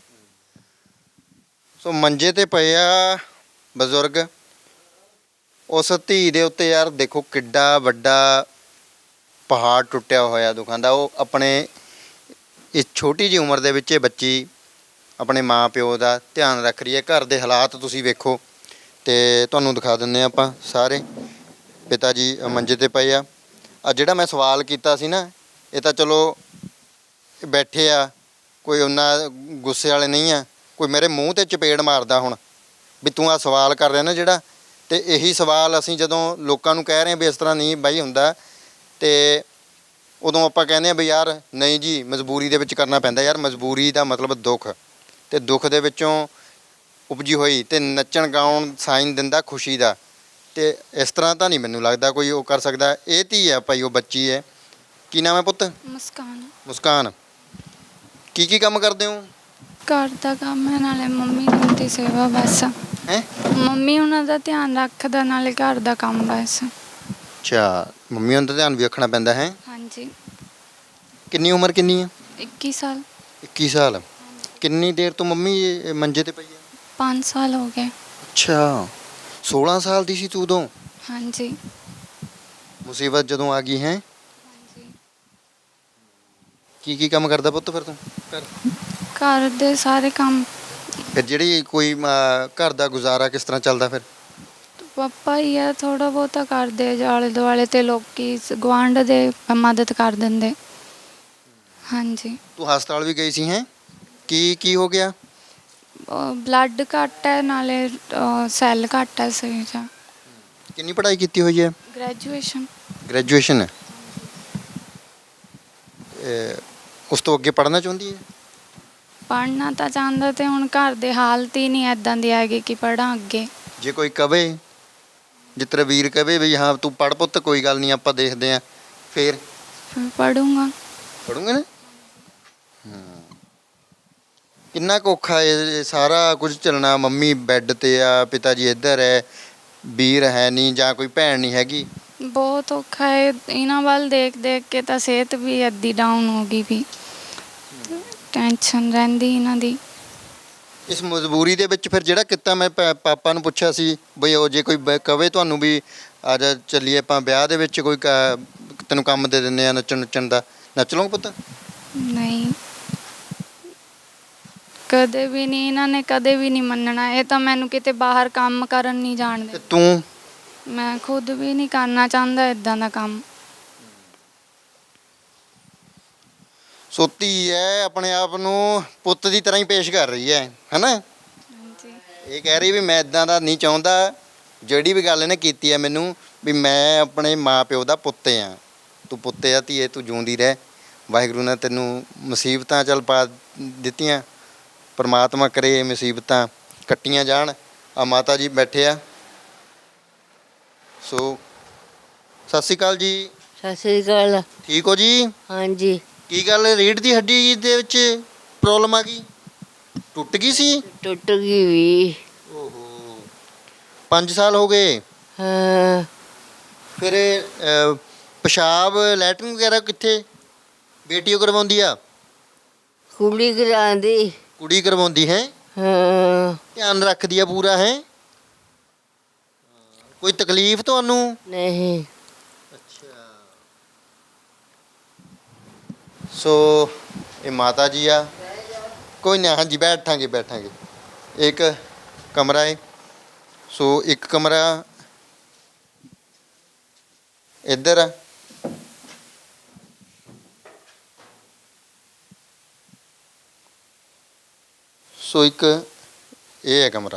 [SPEAKER 1] ਸੋ ਮੰਜੇ ਤੇ ਪਏ ਆ ਬਜ਼ੁਰਗ। ਉਸ ਧੀ ਦੇ ਉੱਤੇ ਯਾਰ ਦੇਖੋ ਕਿੱਡਾ ਵੱਡਾ ਪਹਾੜ ਟੁੱਟਿਆ ਹੋਇਆ ਦੁੱਖਾਂ ਦਾ। ਉਹ ਆਪਣੇ ਇਸ ਛੋਟੀ ਜਿਹੀ ਉਮਰ ਦੇ ਵਿੱਚ ਇਹ ਬੱਚੀ ਆਪਣੇ ਮਾਂ ਪਿਓ ਦਾ ਧਿਆਨ ਰੱਖ ਰਹੀ ਹੈ। ਘਰ ਦੇ ਹਾਲਾਤ ਤੁਸੀਂ ਵੇਖੋ ਤੇ ਤੁਹਾਨੂੰ ਦਿਖਾ ਦਿੰਦੇ ਹਾਂ ਆਪਾਂ ਸਾਰੇ। ਪਿਤਾ ਜੀ ਮੰਜੇ ਤੇ ਪਏ ਆ। ਜਿਹੜਾ ਮੈਂ ਸਵਾਲ ਕੀਤਾ ਸੀ ਨਾ, ਇਹ ਤਾਂ ਚਲੋ ਬੈਠੇ ਆ, ਕੋਈ ਉਹਨਾਂ ਗੁੱਸੇ ਵਾਲੇ ਨਹੀਂ ਆ। ਕੋਈ ਮੇਰੇ ਮੂੰਹ ਤੇ ਚਪੇੜ ਮਾਰਦਾ ਹੁਣ ਵੀ ਤੂੰ ਆ ਸਵਾਲ ਕਰ ਰਿਹਾ ਨਾ ਜਿਹੜਾ, ਤੇ ਇਹੀ ਸਵਾਲ ਅਸੀਂ ਜਦੋਂ ਲੋਕਾਂ ਨੂੰ ਕਹਿ ਰਹੇ ਹਾਂ ਵੀ ਇਸ ਤਰ੍ਹਾਂ ਨਹੀਂ ਬਾਈ ਹੁੰਦਾ, ਤੇ ਉਦੋਂ ਆਪਾਂ ਕਹਿੰਦੇ ਹਾਂ ਵੀ ਯਾਰ ਨਹੀਂ ਜੀ ਮਜਬੂਰੀ ਦੇ ਵਿੱਚ ਕਰਨਾ ਪੈਂਦਾ। ਯਾਰ ਮਜਬੂਰੀ ਦਾ ਮਤਲਬ ਦੁੱਖ, ਤੇ ਦੁੱਖ ਦੇ ਵਿੱਚੋਂ ਉਪਜੀ ਹੋਈ ਤੇ ਨੱਚਣ ਗਾਉਣ ਸਾਈਨ ਦਿੰਦਾ ਖੁਸ਼ੀ ਦਾ। ਤੇ ਇਸ ਤਰ੍ਹਾਂ ਤਾਂ ਨਹੀਂ ਮੈਨੂੰ ਲੱਗਦਾ ਕੋਈ ਉਹ ਕਰ ਸਕਦਾ। ਇਹ ਧੀ ਹੈ ਭਾਈ, ਉਹ ਬੱਚੀ ਹੈ। ਕੀ ਨਾਮ ਹੈ ਪੁੱਤ?
[SPEAKER 3] ਮੁਸਕਾਨ।
[SPEAKER 1] ਮੁਸਕਾਨ। ਕੀ ਕੰਮ ਕਰਦੇ ਹੋ?
[SPEAKER 3] ਘਰ ਦਾ ਕੰਮ ਹੈ, ਨਾਲੇ ਮੰਮੀ ਦੀ ਦੀ ਸੇਵਾ ਬਸ।
[SPEAKER 1] ਹੈ
[SPEAKER 3] ਮੰਮੀ ਉਹਨਾਂ ਦਾ ਧਿਆਨ ਰੱਖਦਾ, ਨਾਲੇ ਘਰ ਦਾ ਕੰਮ ਬਸ।
[SPEAKER 1] ਅੱਛਾ, ਮੰਮੀ ਉਹਨਾਂ ਦਾ ਧਿਆਨ ਵੀ ਰੱਖਣਾ ਪੈਂਦਾ ਹੈ।
[SPEAKER 3] ਹਾਂਜੀ।
[SPEAKER 1] ਕਿੰਨੀ ਉਮਰ ਕਿੰਨੀ ਹੈ?
[SPEAKER 3] 21 ਸਾਲ।
[SPEAKER 1] 21 ਸਾਲ। ਕਿੰਨੀ ਦੇਰ ਤੋਂ ਮੰਮੀ ਇਹ ਮੰਜੇ ਤੇ ਪਈ ਹੈ?
[SPEAKER 3] 5 ਸਾਲ ਹੋ ਗਏ।
[SPEAKER 1] ਅੱਛਾ, 16 ਸਾਲ ਦੀ ਸੀ ਤੂੰ ਉਦੋਂ?
[SPEAKER 3] ਹਾਂਜੀ।
[SPEAKER 1] ਮੁਸੀਬਤ ਜਦੋਂ ਆ ਗਈ ਹੈ। ਕੀ ਕੰਮ ਕਰਦਾ ਪੁੱਤ ਫਿਰ ਤੂੰ ਘਰ?
[SPEAKER 3] ਘਰ ਦੇ ਸਾਰੇ ਕੰਮ।
[SPEAKER 1] ਫਿਰ ਜਿਹੜੀ ਕੋਈ ਘਰ ਦਾ ਗੁਜ਼ਾਰਾ ਕਿਸ ਤਰ੍ਹਾਂ ਚੱਲਦਾ ਫਿਰ?
[SPEAKER 3] ਪਾਪਾ ਹੀ ਆ, ਥੋੜਾ ਬਹੁਤਾ ਕਰਦੇ ਆਲੇ ਦੁਆਲੇ, ਤੇ ਲੋਕੀ ਗੁਆਂਢ ਦੇ ਮਦਦ ਕਰ ਦਿੰਦੇ। ਹਾਂਜੀ।
[SPEAKER 1] ਤੂੰ ਹਸਪਤਾਲ ਵੀ ਗਈ ਸੀ ਹੈ? ਕੀ ਹੋ ਗਿਆ?
[SPEAKER 3] ਬਲੱਡ ਘੱਟ ਹੈ, ਨਾਲੇ ਸੈੱਲ ਘੱਟ ਹੈ ਸਰੀਰ 'ਚ।
[SPEAKER 1] ਕਿੰਨੀ ਪੜ੍ਹਾਈ ਕੀਤੀ ਹੋਈ ਹੈ?
[SPEAKER 3] ਗ੍ਰੈਜੂਏਸ਼ਨ।
[SPEAKER 1] ਗ੍ਰੈਜੂਏਸ਼ਨ ਹੈ। ਉਸ ਤੋਂ ਅੱਗੇ ਪੜ੍ਹਨਾ ਚਾਹੁੰਦੀ ਹੈ?
[SPEAKER 3] ਪੜ੍ਹਨਾ ਤਾਂ ਚਾਹੁੰਦਾ, ਤੇ ਹੁਣ ਘਰ ਦੇ ਹਾਲਤ ਹੀ ਨਹੀਂ ਇੱਦਾਂ ਦੀ ਹੈਗੀ ਕਿ ਪੜ੍ਹਾਂ ਅੱਗੇ।
[SPEAKER 1] ਜੇ ਕੋਈ ਕਵੇ, ਜੇ ਤੇਰਾ ਵੀਰ ਕਵੇ ਵੀ ਹਾਂ ਤੂੰ ਪੜ੍ਹ ਪੁੱਤ, ਕੋਈ ਗੱਲ ਨਹੀਂ ਆਪਾਂ ਦੇਖਦੇ ਆਂ, ਫਿਰ
[SPEAKER 3] ਪੜੂੰਗਾ।
[SPEAKER 1] ਪੜੂੰਗੇ ਨਾ। ਕਿੰਨਾ ਕੁ ਔਖਾ ਇਹ ਸਾਰਾ ਕੁਝ ਚੱਲਣਾ? ਮੰਮੀ ਬੈੱਡ ਤੇ ਆ, ਪਿਤਾ ਜੀ ਇੱਧਰ ਹੈ, ਵੀਰ ਹੈ ਨਹੀਂ, ਜਾਂ ਕੋਈ ਭੈਣ ਨਹੀਂ ਹੈਗੀ।
[SPEAKER 3] ਬਹੁਤ ਔਖਾ ਹੈ। ਇਹਨਾਂ ਵੱਲ ਦੇਖ ਦੇਖ ਕੇ ਤਾਂ ਸਿਹਤ ਵੀ ਅੱਧੀ ਡਾਊਨ ਹੋ ਗਈ ਵੀ। ਟੈਨਸ਼ਨ ਰਹਿੰਦੀ ਇਹਨਾਂ ਦੀ।
[SPEAKER 1] ਇਸ ਮਜਬੂਰੀ ਦੇ ਵਿੱਚ ਫਿਰ ਜਿਹੜਾ ਕੀਤਾ, ਮੈਂ ਪਾਪਾ ਨੂੰ ਪੁੱਛਿਆ ਸੀ ਬਈ ਉਹ ਜੇ ਕੋਈ ਕਵੇ ਤੁਹਾਨੂੰ ਵੀ ਆ ਜਾ ਚੱਲੀਏ ਆਪਾਂ ਵਿਆਹ ਦੇ ਵਿੱਚ, ਕੋਈ ਤੈਨੂੰ ਕੰਮ ਦੇ ਦਿੰਦੇ ਆ ਨੱਚਣ ਦਾ, ਨੱਚ ਲਓਗੇ ਪੁੱਤ?
[SPEAKER 3] ਨਹੀਂ, ਕਦੇ ਵੀ ਨਹੀਂ। ਇਹਨਾਂ ਨੇ ਕਦੇ ਵੀ ਨਹੀਂ ਮੰਨਣਾ। ਇਹ ਤਾਂ ਮੈਨੂੰ ਕਿਤੇ ਬਾਹਰ ਕੰਮ ਕਰਨ ਨਹੀਂ ਜਾਣ
[SPEAKER 1] ਤੇ
[SPEAKER 3] ਦੇ।
[SPEAKER 1] ਤੂੰ?
[SPEAKER 3] ਮੈਂ ਖੁਦ ਵੀ ਨਹੀਂ ਕਰਨਾ ਚਾਹੁੰਦਾ ਇਦਾਂ ਦਾ ਕੰਮ।
[SPEAKER 1] ਸੋ ਧੀ ਹੈ, ਆਪਣੇ ਆਪ ਨੂੰ ਪੁੱਤ ਦੀ ਤਰ੍ਹਾਂ ਹੀ ਪੇਸ਼ ਕਰ ਰਹੀ ਹੈ ਹੈਨਾ?
[SPEAKER 3] ਹਾਂਜੀ।
[SPEAKER 1] ਇਹ ਕਹਿ ਰਹੀ ਵੀ ਮੈਂ ਇਦਾਂ ਦਾ ਨਹੀਂ ਚਾਹੁੰਦਾ। ਜਿਹੜੀ ਵੀ ਗੱਲ ਇਹਨੇ ਕੀਤੀ ਹੈ ਮੈਨੂੰ, ਵੀ ਮੈਂ ਆਪਣੇ ਮਾਂ ਪਿਓ ਦਾ ਪੁੱਤ ਆ। ਤੂੰ ਪੁੱਤ ਆ ਧੀਏ, ਤੂੰ ਜਿਉਂਦੀ ਰਹਿ। ਵਾਹਿਗੁਰੂ ਨੇ ਤੈਨੂੰ ਮੁਸੀਬਤਾਂ ਚੱਲ ਪਾ ਦਿੱਤੀਆਂ, ਪਰਮਾਤਮਾ ਕਰੇ ਇਹ ਮੁਸੀਬਤਾਂ ਕੱਟੀਆਂ ਜਾਣ। ਆ ਮਾਤਾ ਜੀ ਬੈਠੇ ਆ। ਸੋ ਸਤਿ ਸ਼੍ਰੀ ਅਕਾਲ ਜੀ।
[SPEAKER 7] ਸਤਿ ਸ੍ਰੀ ਅਕਾਲ।
[SPEAKER 1] ਠੀਕ ਹੋ ਜੀ?
[SPEAKER 7] ਹਾਂਜੀ।
[SPEAKER 1] ਕੀ ਗੱਲ, ਰੀੜ੍ਹ ਦੀ ਹੱਡੀ ਦੇ ਵਿੱਚ ਪ੍ਰੋਬਲਮ ਆ ਗਈ? ਟੁੱਟ ਗਈ ਸੀ?
[SPEAKER 7] ਟੁੱਟ ਗਈ ਵੀ।
[SPEAKER 1] ਓਹੋ, 5 ਸਾਲ ਹੋ ਗਏ।
[SPEAKER 7] ਹਾਂ।
[SPEAKER 1] ਫਿਰ ਪਿਸ਼ਾਬ ਲੈਟਰਿਨ ਵਗੈਰਾ ਕਿੱਥੇ ਬੇਟੀ ਉਹ ਕਰਵਾਉਂਦੀ ਆ?
[SPEAKER 7] ਕੁੜੀ ਕਰਾਂਦੀ।
[SPEAKER 1] ਕੁੜੀ ਕਰਵਾਉਂਦੀ ਹੈ?
[SPEAKER 7] ਹਾਂ।
[SPEAKER 1] ਧਿਆਨ ਰੱਖਦੀ ਆ ਪੂਰਾ ਹੈ? ਕੋਈ ਤਕਲੀਫ ਤੁਹਾਨੂੰ?
[SPEAKER 7] ਨਹੀਂ।
[SPEAKER 1] ਅੱਛਾ। ਸੋ ਇਹ ਮਾਤਾ ਜੀ ਆ। ਕੋਈ ਨਾ, ਹਾਂਜੀ ਬੈਠਾਂਗੇ। ਇੱਕ ਕਮਰਾ ਹੈ। ਸੋ ਇੱਕ ਕਮਰਾ ਇੱਧਰ ਆ। ਸੋ ਇੱਕ ਇਹ ਹੈ ਕਮਰਾ।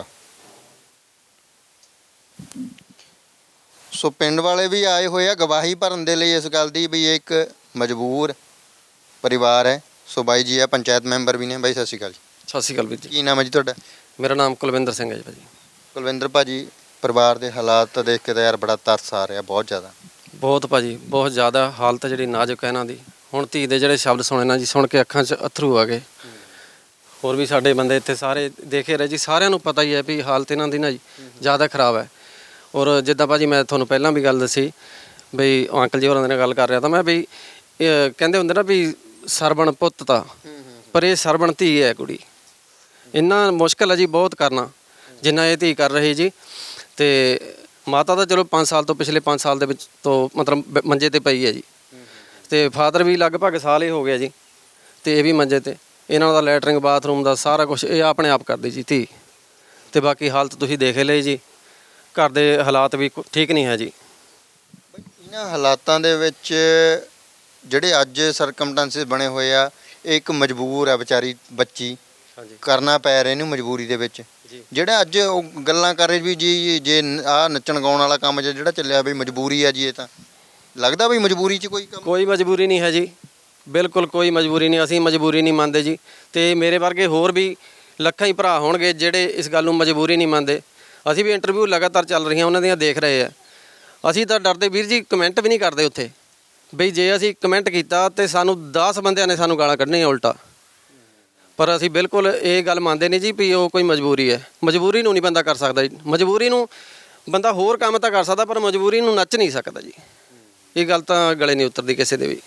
[SPEAKER 1] ਸੋ ਪਿੰਡ ਵਾਲੇ ਵੀ ਆਏ ਹੋਏ ਆ ਗਵਾਹੀ ਭਰਨ ਦੇ ਲਈ ਇਸ ਗੱਲ ਦੀ ਵੀ ਇਹ ਇੱਕ ਮਜਬੂਰ ਪਰਿਵਾਰ ਹੈ। ਸੋ ਬਾਈ ਜੀ ਆ, ਪੰਚਾਇਤ ਮੈਂਬਰ ਵੀ ਨੇ। ਬਾਈ ਸਤਿ ਸ਼੍ਰੀ ਅਕਾਲ ਜੀ।
[SPEAKER 4] ਸਤਿ ਸ਼੍ਰੀ ਅਕਾਲ ਵੀਰ ਜੀ।
[SPEAKER 1] ਕੀ ਨਾਮ ਹੈ ਜੀ ਤੁਹਾਡਾ?
[SPEAKER 4] ਮੇਰਾ ਨਾਮ ਕੁਲਵਿੰਦਰ ਸਿੰਘ ਹੈ ਜੀ ਭਾਜੀ।
[SPEAKER 1] ਕੁਲਵਿੰਦਰ ਭਾਜੀ, ਪਰਿਵਾਰ ਦੇ ਹਾਲਾਤ ਦੇਖ ਕੇ ਤਾਂ ਯਾਰ ਬੜਾ ਤਰਸ ਆ ਰਿਹਾ, ਬਹੁਤ ਜ਼ਿਆਦਾ।
[SPEAKER 4] ਬਹੁਤ ਭਾਜੀ, ਬਹੁਤ ਜ਼ਿਆਦਾ ਹਾਲਤ ਜਿਹੜੀ ਨਾਜ਼ੁਕ ਹੈ ਇਹਨਾਂ ਦੀ। ਹੁਣ ਧੀ ਦੇ ਜਿਹੜੇ ਸ਼ਬਦ ਸੁਣੇ ਨਾ ਜੀ, ਸੁਣ ਕੇ ਅੱਖਾਂ 'ਚ ਅੱਥਰੂ ਆ ਗਏ। ਹੋਰ ਵੀ ਸਾਡੇ ਬੰਦੇ ਇੱਥੇ ਸਾਰੇ ਦੇਖੇ ਰਹੇ ਜੀ, ਸਾਰਿਆਂ ਨੂੰ ਪਤਾ ਹੀ ਹੈ ਵੀ ਹਾਲਤ ਇਹਨਾਂ ਦੀ ਨਾ ਜੀ ਜ਼ਿਆਦਾ ਖਰਾਬ ਹੈ। ਔਰ ਜਿੱਦਾਂ ਭਾਜੀ ਮੈਂ ਤੁਹਾਨੂੰ ਪਹਿਲਾਂ ਵੀ ਗੱਲ ਦੱਸੀ ਬਈ, ਅੰਕਲ ਜੀ ਹੋਰਾਂ ਦੇ ਨਾਲ ਗੱਲ ਕਰ ਰਿਹਾ ਤਾਂ ਮੈਂ ਵੀ ਕਹਿੰਦੇ ਹੁੰਦੇ ਨਾ ਵੀ ਸਰਵਣ ਪੁੱਤ ਤਾਂ, ਪਰ ਇਹ ਸਰਵਣ ਧੀ ਹੈ ਕੁੜੀ। ਇੰਨਾ ਮੁਸ਼ਕਿਲ ਹੈ ਜੀ ਬਹੁਤ ਕਰਨਾ ਜਿੰਨਾ ਇਹ ਧੀ ਕਰ ਰਹੀ ਜੀ। ਤੇ ਮਾਤਾ ਤਾਂ ਚਲੋ 5 ਸਾਲ ਤੋਂ, ਪਿਛਲੇ 5 ਸਾਲ ਦੇ ਵਿੱਚ ਤੋਂ ਮਤਲਬ ਮੰਜੇ ਤੇ ਪਈ ਹੈ ਜੀ। ਤੇ ਫਾਦਰ ਵੀ ਲਗਭਗ ਸਾਲ ਹੀ ਹੋ ਗਿਆ ਜੀ, ਤੇ ਇਹ ਵੀ ਮੰਜੇ ਤੇ। ਇਹਨਾਂ ਦਾ ਲੈਟਰਿੰਗ ਬਾਥਰੂਮ ਦਾ ਸਾਰਾ ਕੁਝ ਇਹ ਆਪਣੇ ਆਪ ਕਰਦੀ ਜੀ ਧੀ। ਤੇ ਬਾਕੀ ਹਾਲਤ ਤੁਸੀਂ ਦੇਖ ਲਈ ਜੀ, ਘਰ ਦੇ ਹਾਲਾਤ ਵੀ ਠੀਕ ਨਹੀਂ ਹੈ ਜੀ।
[SPEAKER 1] ਇਹਨਾਂ ਹਾਲਾਤਾਂ ਦੇ ਵਿੱਚ ਜਿਹੜੇ ਅੱਜ ਸਰਕਮਸਟੈਂਸਿਸ ਬਣੇ ਹੋਏ ਆ, ਇਹ ਇੱਕ ਮਜਬੂਰ ਆ ਵਿਚਾਰੀ ਬੱਚੀ, ਕਰਨਾ ਪੈ ਰਿਹਾ ਇਹਨੂੰ ਮਜਬੂਰੀ ਦੇ ਵਿੱਚ। ਜਿਹੜਾ ਅੱਜ ਉਹ ਗੱਲਾਂ ਕਰ ਰਹੇ ਵੀ ਜੀ ਜੇ ਆਹ ਨੱਚਣ ਗਾਉਣ ਵਾਲਾ ਕੰਮ ਜਿਹੜਾ ਚੱਲਿਆ ਵੀ ਮਜਬੂਰੀ ਆ ਜੀ, ਇਹ ਤਾਂ ਲੱਗਦਾ ਵੀ ਮਜਬੂਰੀ 'ਚ ਕੋਈ ਕੰਮ?
[SPEAKER 4] ਕੋਈ ਮਜਬੂਰੀ ਨਹੀਂ ਹੈ ਜੀ, ਬਿਲਕੁਲ ਕੋਈ ਮਜਬੂਰੀ ਨਹੀਂ। ਅਸੀਂ ਮਜਬੂਰੀ ਨਹੀਂ ਮੰਨਦੇ ਜੀ। ਤੇ ਮੇਰੇ ਵਰਗੇ ਹੋਰ ਵੀ ਲੱਖਾਂ ਹੀ ਭਰਾ ਹੋਣਗੇ ਜਿਹੜੇ ਇਸ ਗੱਲ ਨੂੰ ਮਜਬੂਰੀ ਨਹੀਂ ਮੰਨਦੇ। ਅਸੀਂ ਵੀ ਇੰਟਰਵਿਊ ਲਗਾਤਾਰ ਚੱਲ ਰਹੀਆਂ ਉਹਨਾਂ ਦੀਆਂ ਦੇਖ ਰਹੇ ਆ। ਅਸੀਂ ਤਾਂ ਡਰਦੇ ਵੀਰ ਜੀ ਕਮੈਂਟ ਵੀ ਨਹੀਂ ਕਰਦੇ ਉੱਥੇ, ਬਈ ਜੇ ਅਸੀਂ ਕਮੈਂਟ ਕੀਤਾ ਤੇ ਸਾਨੂੰ 10 ਬੰਦਿਆਂ ਨੇ ਸਾਨੂੰ ਗਾਲਾਂ ਕੱਢਣੀਆਂ ਉਲਟਾ। ਪਰ ਅਸੀਂ ਬਿਲਕੁਲ ਇਹ ਗੱਲ ਮੰਨਦੇ ਨਹੀਂ ਜੀ ਵੀ ਉਹ ਕੋਈ ਮਜਬੂਰੀ ਹੈ। ਮਜਬੂਰੀ ਨੂੰ ਨਹੀਂ ਬੰਦਾ ਕਰ ਸਕਦਾ ਜੀ। ਮਜਬੂਰੀ ਨੂੰ ਬੰਦਾ ਹੋਰ ਕੰਮ ਤਾਂ ਕਰ ਸਕਦਾ, ਪਰ ਮਜਬੂਰੀ ਨੂੰ ਨੱਚ ਨਹੀਂ ਸਕਦਾ ਜੀ। ਇਹ ਗੱਲ ਤਾਂ ਗਲੇ ਨਹੀਂ ਉਤਰਦੀ ਕਿਸੇ ਦੇ ਵੀ।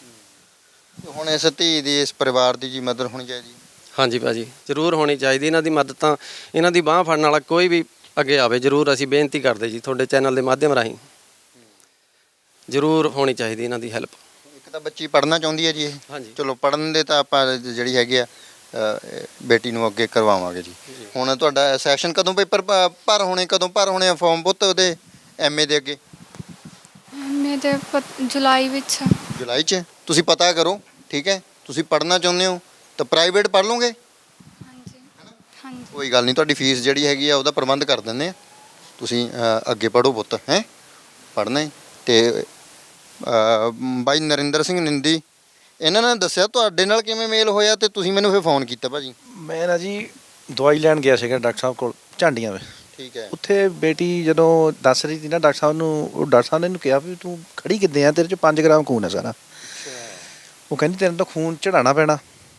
[SPEAKER 1] ਹੁਣ ਇਸ ਧੀ ਦੀ, ਇਸ ਪਰਿਵਾਰ ਦੀ ਜੀ ਮਦਦ ਹੋਣੀ ਚਾਹੀਦੀ।
[SPEAKER 4] ਹਾਂਜੀ ਭਾਜੀ, ਜ਼ਰੂਰ ਹੋਣੀ ਚਾਹੀਦੀ ਇਹਨਾਂ ਦੀ ਮਦਦ। ਤਾਂ ਇਹਨਾਂ ਦੀ ਬਾਂਹ ਫੜਨ ਵਾਲਾ ਕੋਈ ਵੀ ਅੱਗੇ ਆਵੇ, ਜ਼ਰੂਰ ਅਸੀਂ ਬੇਨਤੀ ਕਰਦੇ ਜੀ ਤੁਹਾਡੇ ਚੈਨਲ ਦੇ ਮਾਧਿਅਮ ਰਾਹੀਂ। ਜ਼ਰੂਰ ਹੋਣੀ ਚਾਹੀਦੀ ਇਹਨਾਂ ਦੀ ਹੈਲਪ।
[SPEAKER 1] ਇੱਕ ਤਾਂ ਬੱਚੀ ਪੜ੍ਹਨਾ ਚਾਹੁੰਦੀ ਹੈ ਜੀ ਇਹ।
[SPEAKER 4] ਹਾਂਜੀ
[SPEAKER 1] ਚਲੋ ਪੜ੍ਹਨ ਦੇ ਤਾਂ ਆਪਾਂ ਜਿਹੜੀ ਹੈਗੀ ਆ ਬੇਟੀ ਨੂੰ ਅੱਗੇ ਕਰਵਾਵਾਂਗੇ ਜੀ। ਹੁਣ ਤੁਹਾਡਾ ਸੈਸ਼ਨ ਕਦੋਂ ਪੇਪਰ ਭਰ ਹੋਣੇ, ਕਦੋਂ ਭਰ ਹੋਣੇ ਆ ਫਾਰਮ ਪੁੱਤ ਉਹਦੇ ਐਮਏ ਦੇ ਅੱਗੇ?
[SPEAKER 3] ਐਮਏ ਦੇ ਜੁਲਾਈ ਵਿੱਚ ਆ।
[SPEAKER 1] ਜੁਲਾਈ 'ਚ ਤੁਸੀਂ ਪਤਾ ਕਰੋ, ਠੀਕ ਹੈ। ਤੁਸੀਂ ਪੜ੍ਹਨਾ ਚਾਹੁੰਦੇ ਹੋ ਤਾਂ ਪ੍ਰਾਈਵੇਟ ਪੜ੍ਹ ਲਓਗੇ,
[SPEAKER 3] ਹਾਂਜੀ ਹਾਂਜੀ
[SPEAKER 1] ਕੋਈ ਗੱਲ ਨਹੀਂ। ਤੁਹਾਡੀ ਫੀਸ ਜਿਹੜੀ ਹੈਗੀ ਆ ਉਹਦਾ ਪ੍ਰਬੰਧ ਕਰ ਦਿੰਦੇ ਆ। ਤੁਸੀਂ ਅੱਗੇ ਪੜ੍ਹੋ ਪੁੱਤ, ਹੈ ਪੜ੍ਹਨਾ ਹੈ। ਤੇ ਬਾਈ ਨਰਿੰਦਰ ਸਿੰਘ ਨਿੰਦੀ, ਇਹਨਾਂ ਨੇ ਦੱਸਿਆ ਤੁਹਾਡੇ ਨਾਲ ਕਿਵੇਂ ਮੇਲ ਹੋਇਆ ਤੇ ਤੁਸੀਂ ਮੈਨੂੰ ਫਿਰ ਫੋਨ ਕੀਤਾ ਭਾਜੀ?
[SPEAKER 5] ਮੈਂ ਨਾ ਜੀ ਦਵਾਈ ਲੈਣ ਗਿਆ ਸੀਗਾ ਡਾਕਟਰ ਸਾਹਿਬ ਕੋਲ ਝਾਂਡੀਆਂ ਵਿੱਚ।
[SPEAKER 1] ਠੀਕ ਹੈ।
[SPEAKER 5] ਉੱਥੇ ਬੇਟੀ ਜਦੋਂ ਦੱਸ ਰਹੀ ਸੀ ਨਾ ਡਾਕਟਰ ਸਾਹਿਬ ਨੂੰ, ਉਹ ਡਾਕਟਰ ਸਾਹਿਬ ਨੇ ਇਹਨੂੰ ਕਿਹਾ ਵੀ ਤੂੰ ਖੜੀ ਕਿੱਦਾਂ ਆ, ਤੇਰੇ 'ਚ 5 ਗ੍ਰਾਮ ਖੂਨ ਹੈ ਸਾਰਾ। ਉਹ ਕਹਿੰਦੀ ਤੈਨੂੰ ਤਾਂ ਖੂਨ ਚੜਾਉਣਾ ਪੈਣਾ।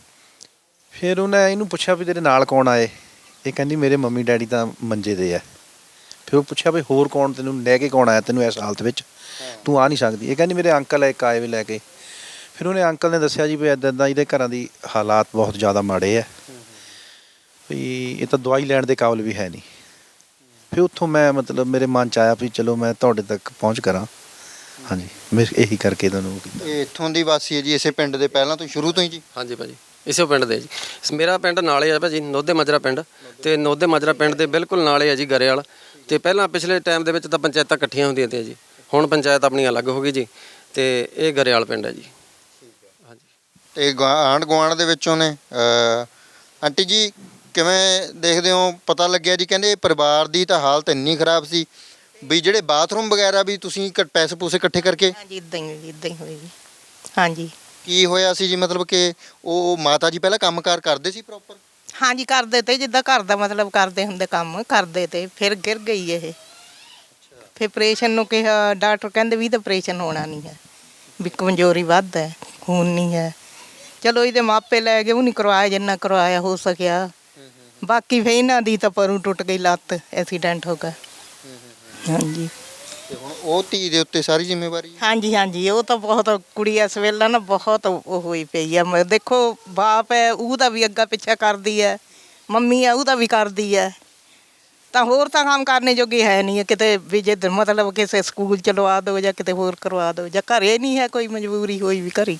[SPEAKER 5] ਫਿਰ ਉਹਨੇ ਇਹਨੂੰ ਪੁੱਛਿਆ ਵੀ ਤੇਰੇ ਨਾਲ ਕੌਣ ਆਏ? ਇਹ ਕਹਿੰਦੀ ਮੇਰੇ ਮੰਮੀ ਡੈਡੀ ਤਾਂ ਮੰਜੇ ਦੇ ਆ। ਫਿਰ ਉਹ ਪੁੱਛਿਆ ਵੀ ਹੋਰ ਕੌਣ ਤੈਨੂੰ ਲੈ ਕੇ ਕੌਣ ਆਇਆ ਤੈਨੂੰ ਇਸ ਹਾਲਤ ਵਿੱਚ, ਤੂੰ ਆ ਨਹੀਂ ਸਕਦੀ? ਇਹ ਕਹਿੰਦੀ ਮੇਰੇ ਅੰਕਲ ਇੱਕ ਆਏ ਵੀ ਲੈ ਕੇ। ਫਿਰ ਉਹਨੇ ਅੰਕਲ ਨੇ ਦੱਸਿਆ ਜੀ ਵੀ ਇੱਦਾਂ ਇੱਦਾਂ ਇਹਦੇ ਘਰਾਂ ਦੀ ਹਾਲਾਤ ਬਹੁਤ ਜ਼ਿਆਦਾ ਮਾੜੇ ਆ, ਵੀ ਇਹ ਤਾਂ ਦਵਾਈ ਲੈਣ ਦੇ ਕਾਬਿਲ ਵੀ ਹੈ ਨਹੀਂ। ਫਿਰ ਉੱਥੋਂ ਮੈਂ ਮਤਲਬ ਮੇਰੇ ਮਨ 'ਚ ਆਇਆ ਵੀ ਚਲੋ ਮੈਂ ਤੁਹਾਡੇ ਤੱਕ ਪਹੁੰਚ ਕਰਾਂ। ਹਾਂਜੀ, ਮੈਂ ਇਹੀ ਕਰਕੇ ਤੁਹਾਨੂੰ ਕੀਤਾ।
[SPEAKER 1] ਇਹ ਇੱਥੋਂ ਦੀ ਵਾਸੀ ਹੈ ਜੀ, ਇਸੇ ਪਿੰਡ ਦੇ ਪਹਿਲਾਂ ਤੋਂ ਸ਼ੁਰੂ ਤੋਂ ਹੀ ਜੀ?
[SPEAKER 4] ਹਾਂਜੀ ਭਾਜੀ, ਇਸੇ ਪਿੰਡ ਦੇ ਜੀ। ਮੇਰਾ ਪਿੰਡ ਨਾਲੇ ਆ ਭਾਜੀ, ਨੋਧੇ ਮਾਜਰਾ ਪਿੰਡ। ਤੇ ਨੋਧੇ ਮਾਜਰਾ ਪਿੰਡ ਦੇ ਬਿਲਕੁਲ ਨਾਲੇ ਆ ਜੀ ਗਰੇਵਾਲ। ਤੇ ਪਹਿਲਾਂ ਪਿਛਲੇ ਟਾਈਮ ਦੇ ਵਿੱਚ ਤਾਂ ਪੰਚਾਇਤਾਂ ਇਕੱਠੀਆਂ ਹੁੰਦੀਆਂ ਤੇ ਜੀ, ਹੁਣ ਪੰਚਾਇਤ ਆਪਣੀ ਅਲੱਗ ਹੋ ਗਈ ਜੀ। ਤੇ ਇਹ ਗਰੇਵਾਲ ਪਿੰਡ ਹੈ ਜੀ। ਹਾਂਜੀ।
[SPEAKER 1] ਤੇ ਆਂਢ ਗੁਆਂਢ ਦੇ ਵਿੱਚੋਂ ਨੇ ਆਂਟੀ ਜੀ ਕਿਵੇਂ ਦੇਖਦੇ ਹੋ? ਪਤਾ ਲੱਗਿਆ ਜੀ ਕਹਿੰਦੇ ਪਰਿਵਾਰ ਦੀ ਤਾਂ ਹਾਲਤ ਇੰਨੀ ਖਰਾਬ ਸੀ ਵੀ ਜਿਹੜੇ ਬਾਥਰੂਮ ਵਗੈਰਾ ਵੀ ਤੁਸੀਂ ਪੈਸੇ ਪੂਸੇ ਇਕੱਠੇ ਕਰਕੇ?
[SPEAKER 6] ਹਾਂਜੀ ਇਦਾਂ ਹੀ ਹੋਈ ਜੀ। ਹਾਂਜੀ
[SPEAKER 1] ਕੀ ਹੋਇਆ ਸੀ ਜੀ? ਮਤਲਬ ਕਿ ਉਹ ਮਾਤਾ ਜੀ ਪਹਿਲਾਂ ਕੰਮਕਾਰ ਕਰਦੇ ਸੀ ਪ੍ਰੋਪਰ?
[SPEAKER 6] ਹਾਂਜੀ ਕਰਦੇ ਤੇ ਜਿੱਦਾਂ ਘਰ ਦਾ ਮਤਲਬ ਕਰਦੇ ਹੁੰਦੇ ਕੰਮ ਕਰਦੇ ਤੇ ਫਿਰ ਗਿਰ ਗਈ ਇਹ। ਫਿਰ ਆਪਰੇਸ਼ਨ ਨੂੰ ਕਿਹਾ, ਡਾਕਟਰ ਕਹਿੰਦੇ ਵੀ ਤਾਂ ਆਪਰੇਸ਼ਨ ਹੋਣਾ ਨਹੀਂ ਹੈ, ਵੀ ਕਮਜ਼ੋਰੀ ਵੱਧ ਹੈ, ਖੂਨ ਨਹੀਂ ਹੈ। ਚਲੋ ਇਹਦੇ ਮਾਪੇ ਲੈ ਗਏ, ਉਹ ਨਹੀਂ ਕਰਵਾਇਆ ਜਿੰਨਾ ਕਰਵਾਇਆ ਹੋ ਸਕਿਆ। ਬਾਕੀ ਫਿਰ ਇਹਨਾਂ ਦੀ ਤਾਂ ਪਰੂ ਟੁੱਟ ਗਈ ਲੱਤ, ਐਕਸੀਡੈਂਟ ਹੋ ਗਿਆ। ਹਾਂਜੀ
[SPEAKER 1] ਤੇ ਹੁਣ ਉਹ ਧੀ ਦੇ ਉੱਤੇ ਸਾਰੀ ਜ਼ਿੰਮੇਵਾਰੀ?
[SPEAKER 6] ਹਾਂਜੀ ਹਾਂਜੀ, ਉਹ ਤਾਂ ਬਹੁਤ ਕੁੜੀ ਇਸ ਵੇਲੇ ਨਾ ਬਹੁਤ ਉਹ ਹੋਈ ਪਈ ਆ। ਦੇਖੋ ਬਾਪ ਹੈ ਉਹਦਾ ਵੀ ਅੱਗਾ ਪਿੱਛਾ ਕਰਦੀ ਹੈ, ਮੰਮੀ ਹੈ ਉਹਦਾ ਵੀ ਕਰਦੀ ਹੈ, ਤਾਂ ਹੋਰ ਤਾਂ ਕੰਮ ਕਰਨੇ ਜੋਗੀ ਹੈ ਨਹੀਂ। ਕਿਤੇ ਵੀ ਜੇ ਮਤਲਬ ਕਿਸੇ ਸਕੂਲ ਚ ਲਵਾ ਦਿਓ ਜਾਂ ਕਿਤੇ ਹੋਰ ਕਰਵਾ ਦਿਓ, ਜਾਂ ਘਰੇ ਨਹੀਂ ਹੈ ਕੋਈ ਮਜਬੂਰੀ ਹੋਈ ਵੀ ਘਰੇ।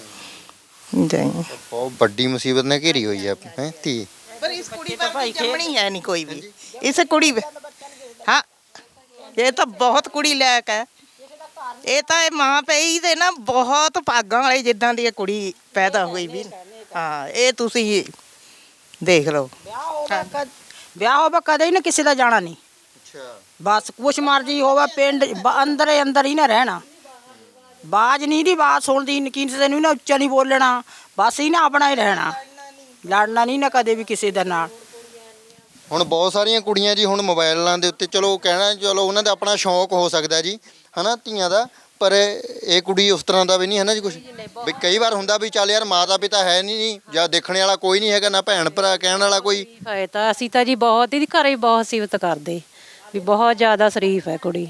[SPEAKER 1] ਬਹੁਤ ਵੱਡੀ ਮੁਸੀਬਤ ਨੇ ਘੇਰੀ ਹੋਈ ਹੈ ਧੀ।
[SPEAKER 6] ਪਰ ਇਸ ਕੁੜੀ ਦਾ ਭਾਈ ਜੰਮਣੀ ਹੈ ਨਹੀਂ ਕੋਈ ਵੀ। ਇਸ ਕੁੜੀ ਹਾਂ, ਇਹ ਤਾਂ ਬਹੁਤ ਕੁੜੀ ਲਾਇਕ ਹੈ। ਇਹ ਤਾਂ ਇਹ ਮਾਂ ਪਈ ਤੇ ਨਾ ਬਹੁਤ ਭਾਗਾਂ ਵਾਲੀ ਜਿੱਦਾਂ ਦੀ ਇਹ ਕੁੜੀ ਪੈਦਾ ਹੋਈ ਵੀ। ਹਾਂ, ਇਹ ਤੁਸੀਂ ਦੇਖ ਲਓ।
[SPEAKER 8] ਵਿਆਹ ਹੋਵੇ ਕਦੇ ਹੀ ਨਾ ਕਿਸੇ ਦਾ ਜਾਣਾ ਨਹੀਂ।
[SPEAKER 1] ਅੱਛਾ।
[SPEAKER 8] ਬਸ ਕੁਛ ਮਰਜੀ ਹੋਵੇ, ਪਿੰਡ ਅੰਦਰ ਹੀ ਨਾ ਰਹਿਣਾ। ਬਾਜ ਨਹੀਂ ਦੀ ਬਾਤ ਸੁਣਦੀ, ਕਿਸੇ ਨੂੰ ਨਾ ਉੱਚਾ ਨਹੀਂ ਬੋਲਣਾ, ਬਸ ਹੀ ਨਾ ਆਪਣਾ ਹੀ ਰਹਿਣਾ, ਲੜਨਾ ਨਹੀਂ ਨਾ ਕਦੇ ਵੀ ਕਿਸੇ ਦੇ ਨਾਲ।
[SPEAKER 1] ਹੁਣ ਬਹੁਤ ਸਾਰੀਆਂ ਕੁੜੀਆਂ ਜੀ ਹੁਣ ਮੋਬਾਈਲਾਂ ਦੇ ਉੱਤੇ, ਚਲੋ ਕਹਿਣਾ ਚਲੋ ਉਹਨਾਂ ਦਾ ਆਪਣਾ ਸ਼ੌਕ ਹੋ ਸਕਦਾ ਜੀ, ਹਨਾ ਧੀਆਂ ਦਾ, ਪਰ ਇਹ ਕੁੜੀ ਉਸ ਤਰ੍ਹਾਂ ਦਾ ਵੀ ਨਹੀਂ ਹੈ ਨਾ ਜੀ ਕੁਛ। ਵੀ ਕਈ ਵਾਰ ਹੁੰਦਾ ਵੀ ਚੱਲ ਯਾਰ ਮਾਤਾ ਪਿਤਾ ਹੈ ਨਹੀਂ ਜਾਂ ਦੇਖਣ ਵਾਲਾ ਕੋਈ ਨਹੀਂ ਹੈਗਾ, ਨਾ ਭੈਣ ਭਰਾ ਕਹਿਣ ਵਾਲਾ ਕੋਈ।
[SPEAKER 9] ਹੈ ਤਾਂ ਅਸੀਂ ਤਾਂ ਜੀ ਬਹੁਤ ਇਹਦੀ ਘਰੇ ਬਹੁਤ ਸਿਫਤ ਕਰਦੇ ਵੀ ਬਹੁਤ ਜ਼ਿਆਦਾ ਸ਼ਰੀਫ ਹੈ ਕੁੜੀ।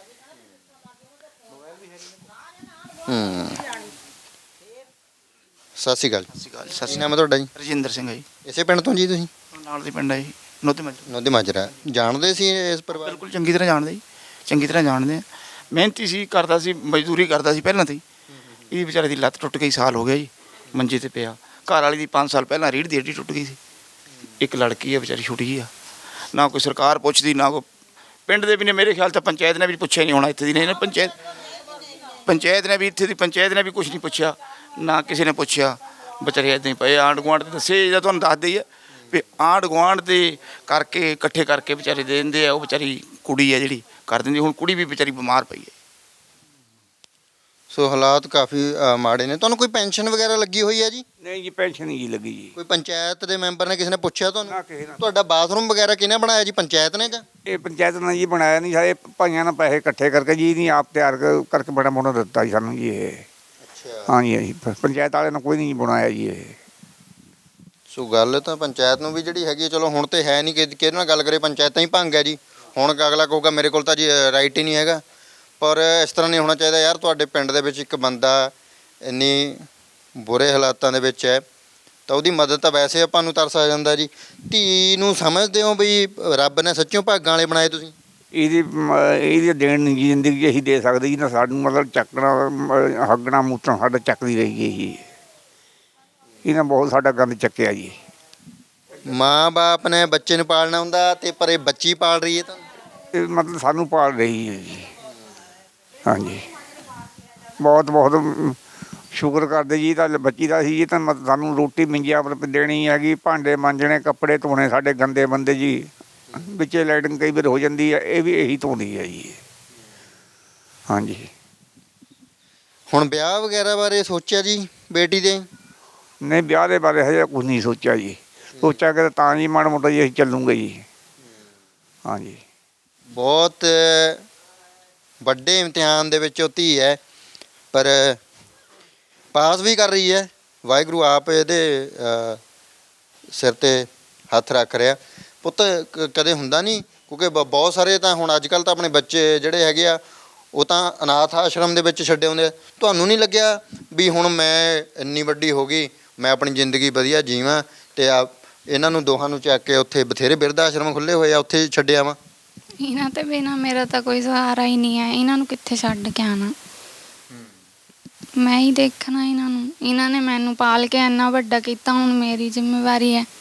[SPEAKER 1] ਸਤਿ ਸ਼੍ਰੀ ਅਕਾਲ।
[SPEAKER 10] ਸਤਿ
[SPEAKER 1] ਕੀ ਨਾਮ ਹੈ ਤੁਹਾਡਾ ਜੀ?
[SPEAKER 10] ਰਜਿੰਦਰ ਸਿੰਘ ਹੈ ਜੀ,
[SPEAKER 1] ਇਸੇ ਪਿੰਡ ਤੋਂ ਜੀ ਤੁਸੀਂ?
[SPEAKER 10] ਨਾਲ ਦੇ ਪਿੰਡ ਹੈ ਜੀ, ਨੋਧੇ ਮਾਜਰਾ।
[SPEAKER 1] ਨੋਧੇ ਮਾਜਰਾ। ਜਾਣਦੇ ਸੀ ਇਸ ਪਰਿਵਾਰ?
[SPEAKER 10] ਬਿਲਕੁਲ ਚੰਗੀ ਤਰ੍ਹਾਂ ਜਾਣਦੇ ਜੀ, ਚੰਗੀ ਤਰ੍ਹਾਂ ਜਾਣਦੇ ਆ। ਮਿਹਨਤੀ ਸੀ, ਕਰਦਾ ਸੀ, ਮਜ਼ਦੂਰੀ ਕਰਦਾ ਸੀ ਪਹਿਲਾਂ ਤੋਂ ਹੀ। ਇਹਦੀ ਵਿਚਾਰੇ ਦੀ ਲੱਤ ਟੁੱਟ ਗਈ, ਸਾਲ ਹੋ ਗਿਆ ਜੀ ਮੰਜੇ ਤੇ ਪਿਆ। ਘਰ ਵਾਲੀ ਦੀ 5 ਸਾਲ ਪਹਿਲਾਂ ਰੀੜ੍ਹ ਦੀ ਹੱਡੀ ਟੁੱਟ ਗਈ ਸੀ। ਇੱਕ ਲੜਕੀ ਆ ਵਿਚਾਰੀ ਛੁੱਟ ਗਈ ਆ, ਨਾ ਕੋਈ ਸਰਕਾਰ ਪੁੱਛਦੀ, ਨਾ ਕੋਈ ਪਿੰਡ ਦੇ ਵੀ ਨੇ। ਮੇਰੇ ਖਿਆਲ ਤਾਂ ਪੰਚਾਇਤ ਨੇ ਵੀ ਪੁੱਛਿਆ ਨਹੀਂ ਹੋਣਾ ਇੱਥੇ ਦੀ, ਨੇ ਪੰਚਾਇਤ ਨੇ ਵੀ, ਇੱਥੇ ਦੀ ਪੰਚਾਇਤ ਨੇ ਵੀ ਕੁਛ ਨਹੀਂ ਪੁੱਛਿਆ, ਨਾ ਕਿਸੇ ਨੇ ਪੁੱਛਿਆ। ਵਿਚਾਰੇ ਇੱਦਾਂ ਹੀ ਪਏ। ਆਂਢ ਗੁਆਂਢ ਦੇ ਦੱਸੇ ਜਾਂ ਤੁਹਾਨੂੰ ਦੱਸਦੇ ਹੀ ਆ ਵੀ ਆਂਢ ਗੁਆਂਢ ਦੇ ਕਰਕੇ ਇਕੱਠੇ ਕਰਕੇ ਵਿਚਾਰੇ ਦੇ ਦਿੰਦੇ ਆ। ਉਹ ਵਿਚਾਰੀ ਕੁੜੀ ਹੈ ਜਿਹੜੀ ਕਰ ਦਿੰਦੀ। ਹੁਣ ਕੁੜੀ ਵੀ ਵਿਚਾਰੀ ਬਿਮਾਰ ਪਈ ਹੈ।
[SPEAKER 1] ਸੋ ਹਾਲਾਤ ਕਾਫੀ ਮਾੜੇ ਨੇ। ਤੁਹਾਨੂੰ ਕੋਈ ਪੈਨਸ਼ਨ ਵਗੈਰਾ ਲੱਗੀ ਹੋਈ ਹੈ ਜੀ?
[SPEAKER 2] ਨਹੀਂ ਜੀ, ਪੈਨਸ਼ਨ ਨਹੀਂ ਜੀ ਲੱਗੀ ਜੀ।
[SPEAKER 1] ਕੋਈ ਪੰਚਾਇਤ ਦੇ ਮੈਂਬਰ ਨੇ, ਕਿਸੇ ਨੇ ਪੁੱਛਿਆ ਤੁਹਾਨੂੰ?
[SPEAKER 2] ਨਾ ਕਿਸੇ ਨੇ।
[SPEAKER 1] ਤੁਹਾਡਾ ਬਾਥਰੂਮ ਵਗੈਰਾ ਕਿਹਨੇ ਬਣਾਇਆ ਜੀ, ਪੰਚਾਇਤ ਨੇ ਜਾਂ?
[SPEAKER 2] ਇਹ ਪੰਚਾਇਤ ਨੇ ਜੀ ਬਣਾਇਆ ਨਹੀਂ, ਸਾਰੇ ਭਾਈਆਂ ਨੇ ਪੈਸੇ ਇਕੱਠੇ ਕਰਕੇ ਜੀ ਨਹੀਂ ਆਪ ਤਿਆਰ ਕਰਕੇ ਬੜਾ ਮੋਟਾ ਦਿੱਤਾ ਜੀ ਸਾਨੂੰ ਜੀ ਇਹ।
[SPEAKER 1] ਅੱਛਾ।
[SPEAKER 2] ਹਾਂਜੀ ਹਾਂਜੀ, ਪੰਚਾਇਤ ਵਾਲੇ ਨੇ ਕੋਈ ਨਹੀਂ ਬਣਾਇਆ ਜੀ ਇਹ।
[SPEAKER 1] ਸੋ ਗੱਲ ਤਾਂ ਪੰਚਾਇਤ ਨੂੰ ਵੀ ਜਿਹੜੀ ਹੈਗੀ ਹੈ, ਚਲੋ ਹੁਣ ਤੇ ਹੈ ਨਹੀਂ ਕਿ ਕਿਹਦੇ ਨਾਲ ਗੱਲ ਕਰੇ, ਪੰਚਾਇਤਾਂ ਹੀ ਭੰਗ ਹੈ ਜੀ। ਹੁਣ ਅਗਲਾ ਕਹੂਗਾ ਮੇਰੇ ਕੋਲ ਤਾਂ ਜੀ ਰਾਈਟ ਹੀ ਨਹੀਂ ਹੈਗਾ। ਪਰ ਇਸ ਤਰ੍ਹਾਂ ਨਹੀਂ ਹੋਣਾ ਚਾਹੀਦਾ ਯਾਰ। ਤੁਹਾਡੇ ਪਿੰਡ ਦੇ ਵਿੱਚ ਇੱਕ ਬੰਦਾ ਇੰਨੀ ਬੁਰੇ ਹਾਲਾਤਾਂ ਦੇ ਵਿੱਚ ਹੈ ਤਾਂ ਉਹਦੀ ਮਦਦ ਤਾਂ ਵੈਸੇ ਆਪਾਂ ਨੂੰ ਤਰਸ ਆ ਜਾਂਦਾ ਜੀ। ਧੀ ਨੂੰ ਸਮਝਦੇ ਹੋ ਵੀ ਰੱਬ ਨੇ ਸੱਚੋਂ ਭਾਗਾਂ ਵਾਲੇ ਬਣਾਏ ਤੁਸੀਂ?
[SPEAKER 2] ਇਹਦੀ ਦੇਣ ਨਹੀਂ ਜ਼ਿੰਦਗੀ ਇਹੀ ਦੇ ਸਕਦੀ ਜੀ ਨਾ। ਸਾਨੂੰ ਮਤਲਬ ਚੱਕਣਾ ਹੱਗਣਾ ਮੂਤਣਾ ਸਾਡਾ ਚੱਕਦੀ ਰਹੀ ਹੈ ਜੀ। ਇਹਨਾਂ ਬਹੁਤ ਸਾਡਾ ਗੰਦ ਚੱਕਿਆ ਜੀ।
[SPEAKER 1] ਮਾਂ ਬਾਪ ਨੇ ਬੱਚੇ ਨੂੰ ਪਾਲਣਾ ਹੁੰਦਾ ਤੇ ਪਰ ਇਹ ਬੱਚੀ ਪਾਲ ਰਹੀ ਹੈ ਤਾਂ
[SPEAKER 2] ਇਹ ਮਤਲਬ ਸਾਨੂੰ ਪਾਲ ਰਹੀ ਹੈ ਜੀ। ਹਾਂਜੀ, ਬਹੁਤ ਬਹੁਤ ਸ਼ੁਕਰ ਕਰਦੇ ਜੀ। ਤਾਂ ਬੱਚੀ ਦਾ ਸੀ ਜੀ, ਤਾਂ ਸਾਨੂੰ ਰੋਟੀ ਮਿੰਜਿਆ ਪਰ ਦੇਣੀ ਹੈਗੀ, ਭਾਂਡੇ ਮਾਂਜਣੇ, ਕੱਪੜੇ ਧੋਣੇ। ਸਾਡੇ ਗੰਦੇ ਬੰਦੇ ਜੀ ਵਿੱਚੇ ਲਾਈਟਿੰਗ ਕਈ ਵਾਰ ਹੋ ਜਾਂਦੀ ਹੈ, ਇਹ ਵੀ ਇਹੀ ਧੋਂਦੀ ਹੈ ਜੀ। ਹਾਂਜੀ।
[SPEAKER 1] ਹੁਣ ਵਿਆਹ ਵਗੈਰਾ ਬਾਰੇ ਸੋਚਿਆ ਜੀ ਬੇਟੀ ਦੇ?
[SPEAKER 2] ਨਹੀਂ, ਵਿਆਹ ਦੇ ਬਾਰੇ ਹਜੇ ਕੁਝ ਨਹੀਂ ਸੋਚਿਆ ਜੀ। ਸੋਚਾਂਗੇ ਤਾਂ ਜੀ ਮਾੜਾ ਮੋਟਾ ਜੀ ਅਸੀਂ ਚੱਲੂਗੇ ਜੀ। ਹਾਂਜੀ।
[SPEAKER 1] ਬਹੁਤ ਵੱਡੇ ਇਮਤਿਹਾਨ ਦੇ ਵਿੱਚ ਉਹ ਧੀ ਹੈ, ਪਰ ਪਾਸ ਵੀ ਕਰ ਰਹੀ ਹੈ। ਵਾਹਿਗੁਰੂ ਆਪ ਇਹਦੇ ਸਿਰ 'ਤੇ ਹੱਥ ਰੱਖ ਰਿਹਾ। ਪੁੱਤ ਕਦੇ ਹੁੰਦਾ ਨਹੀਂ, ਕਿਉਂਕਿ ਬਹੁਤ ਸਾਰੇ ਤਾਂ ਹੁਣ ਅੱਜ ਕੱਲ੍ਹ ਤਾਂ ਆਪਣੇ ਬੱਚੇ ਜਿਹੜੇ ਹੈਗੇ ਆ ਉਹ ਤਾਂ ਅਨਾਥ ਆਸ਼ਰਮ ਦੇ ਵਿੱਚ ਛੱਡੇ ਹੁੰਦੇ ਆ। ਤੁਹਾਨੂੰ ਨਹੀਂ ਲੱਗਿਆ ਵੀ ਹੁਣ ਮੈਂ ਇੰਨੀ ਵੱਡੀ ਹੋ ਗਈ, ਮੈਂ ਆਪਣੀ ਜ਼ਿੰਦਗੀ ਵਧੀਆ ਜੀਵਾਂ ਅਤੇ ਇਹਨਾਂ ਨੂੰ ਦੋਹਾਂ ਨੂੰ ਚੱਕ ਕੇ ਉੱਥੇ ਬਥੇਰੇ ਬਿਰਧ ਆਸ਼ਰਮ ਖੁੱਲ੍ਹੇ ਹੋਏ ਆ, ਉੱਥੇ ਛੱਡਿਆ ਵਾ?
[SPEAKER 3] ਇਹਨਾਂ ਤੇ ਬਿਨਾਂ ਮੇਰਾ ਤਾਂ ਕੋਈ ਸਹਾਰਾ ਹੀ ਨਹੀਂ ਹੈ। ਇਹਨਾਂ ਨੂੰ ਕਿੱਥੇ ਛੱਡ ਕੇ ਆਉਣਾ? ਮੈਂ ਹੀ ਦੇਖਣਾ ਇਹਨਾਂ ਨੂੰ। ਇਹਨਾਂ ਨੇ ਮੈਨੂੰ ਪਾਲ ਕੇ ਇੰਨਾ ਵੱਡਾ ਕੀਤਾ, ਹੁਣ ਮੇਰੀ ਜ਼ਿੰਮੇਵਾਰੀ ਹੈ।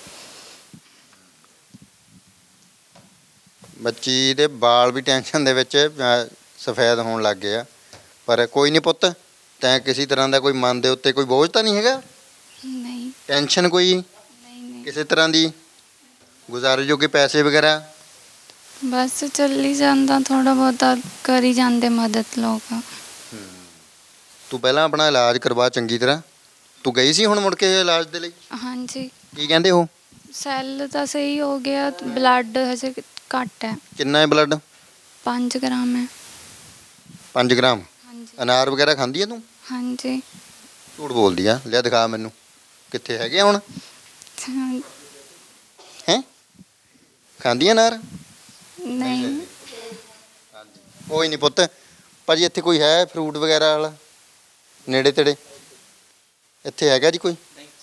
[SPEAKER 1] ਬੱਚੀ ਦੇ ਵਾਲ ਵੀ ਟੈਨਸ਼ਨ ਦੇ ਵਿੱਚ ਸਫੈਦ ਹੋਣ ਲੱਗ ਗਏ ਆ। ਪਰ ਕੋਈ ਨਹੀਂ ਪੁੱਤ, ਤੈਂ ਕਿਸੇ ਤਰ੍ਹਾਂ ਦਾ ਕੋਈ ਮਨ ਦੇ ਉੱਤੇ ਕੋਈ ਬੋਝ ਤਾਂ ਨਹੀਂ ਹੈਗਾ?
[SPEAKER 3] ਨਹੀਂ
[SPEAKER 1] ਟੈਨਸ਼ਨ ਕੋਈ
[SPEAKER 3] ਨਹੀਂ।
[SPEAKER 1] ਕਿਸੇ ਤਰ੍ਹਾਂ ਦੀ? ਗੁਜ਼ਾਰੇ ਜੋਗੇ ਪੈਸੇ ਵਗੈਰਾ?
[SPEAKER 3] ਬਸ ਚੱਲੀ ਜਾਂਦਾ, ਥੋੜਾ ਬਹੁਤਾ ਕਰੀ ਜਾਂਦੇ ਮਦਦ ਲੋਕ।
[SPEAKER 1] ਤੂੰ ਪਹਿਲਾਂ ਆਪਣਾ ਇਲਾਜ ਕਰਵਾ ਚੰਗੀ ਤਰ੍ਹਾਂ। ਤੂੰ ਗਈ ਸੀ ਹੁਣ ਮੁੜ ਕੇ ਇਲਾਜ ਦੇ ਲਈ?
[SPEAKER 3] ਹਾਂਜੀ।
[SPEAKER 1] ਕੀ ਕਹਿੰਦੇ ਹੋ?
[SPEAKER 3] ਸੈੱਲ ਤਾਂ ਸਹੀ ਹੋ ਗਿਆ, ਬਲੱਡ ਹਜੇ ਘੱਟ ਹੈ।
[SPEAKER 1] ਕਿੰਨਾ ਹੈ ਬਲੱਡ?
[SPEAKER 3] 5 ਗ੍ਰਾਮ ਹੈ।
[SPEAKER 1] 5 ਗ੍ਰਾਮ?
[SPEAKER 3] ਹਾਂਜੀ।
[SPEAKER 1] ਅਨਾਰ ਵਗੈਰਾ ਖਾਂਦੀ ਹੈ ਤੂੰ?
[SPEAKER 3] ਹਾਂਜੀ।
[SPEAKER 1] ਝੂਠ ਬੋਲਦੀ ਆ। ਲਿਆ ਦਿਖਾ ਮੈਨੂੰ, ਕਿੱਥੇ ਹੈਗੇ ਹੁਣ? ਹੈਂ, ਖਾਂਦੀ ਆ ਅਨਾਰ?
[SPEAKER 3] ਨਹੀਂ।
[SPEAKER 1] ਕੋਈ ਨਹੀਂ ਪੁੱਤ। ਭਾਜੀ ਇੱਥੇ ਕੋਈ ਹੈ ਫਰੂਟ ਵਗੈਰਾ ਵਾਲਾ ਨੇੜੇ ਤੇੜੇ? ਇੱਥੇ ਹੈਗਾ ਜੀ ਕੋਈ?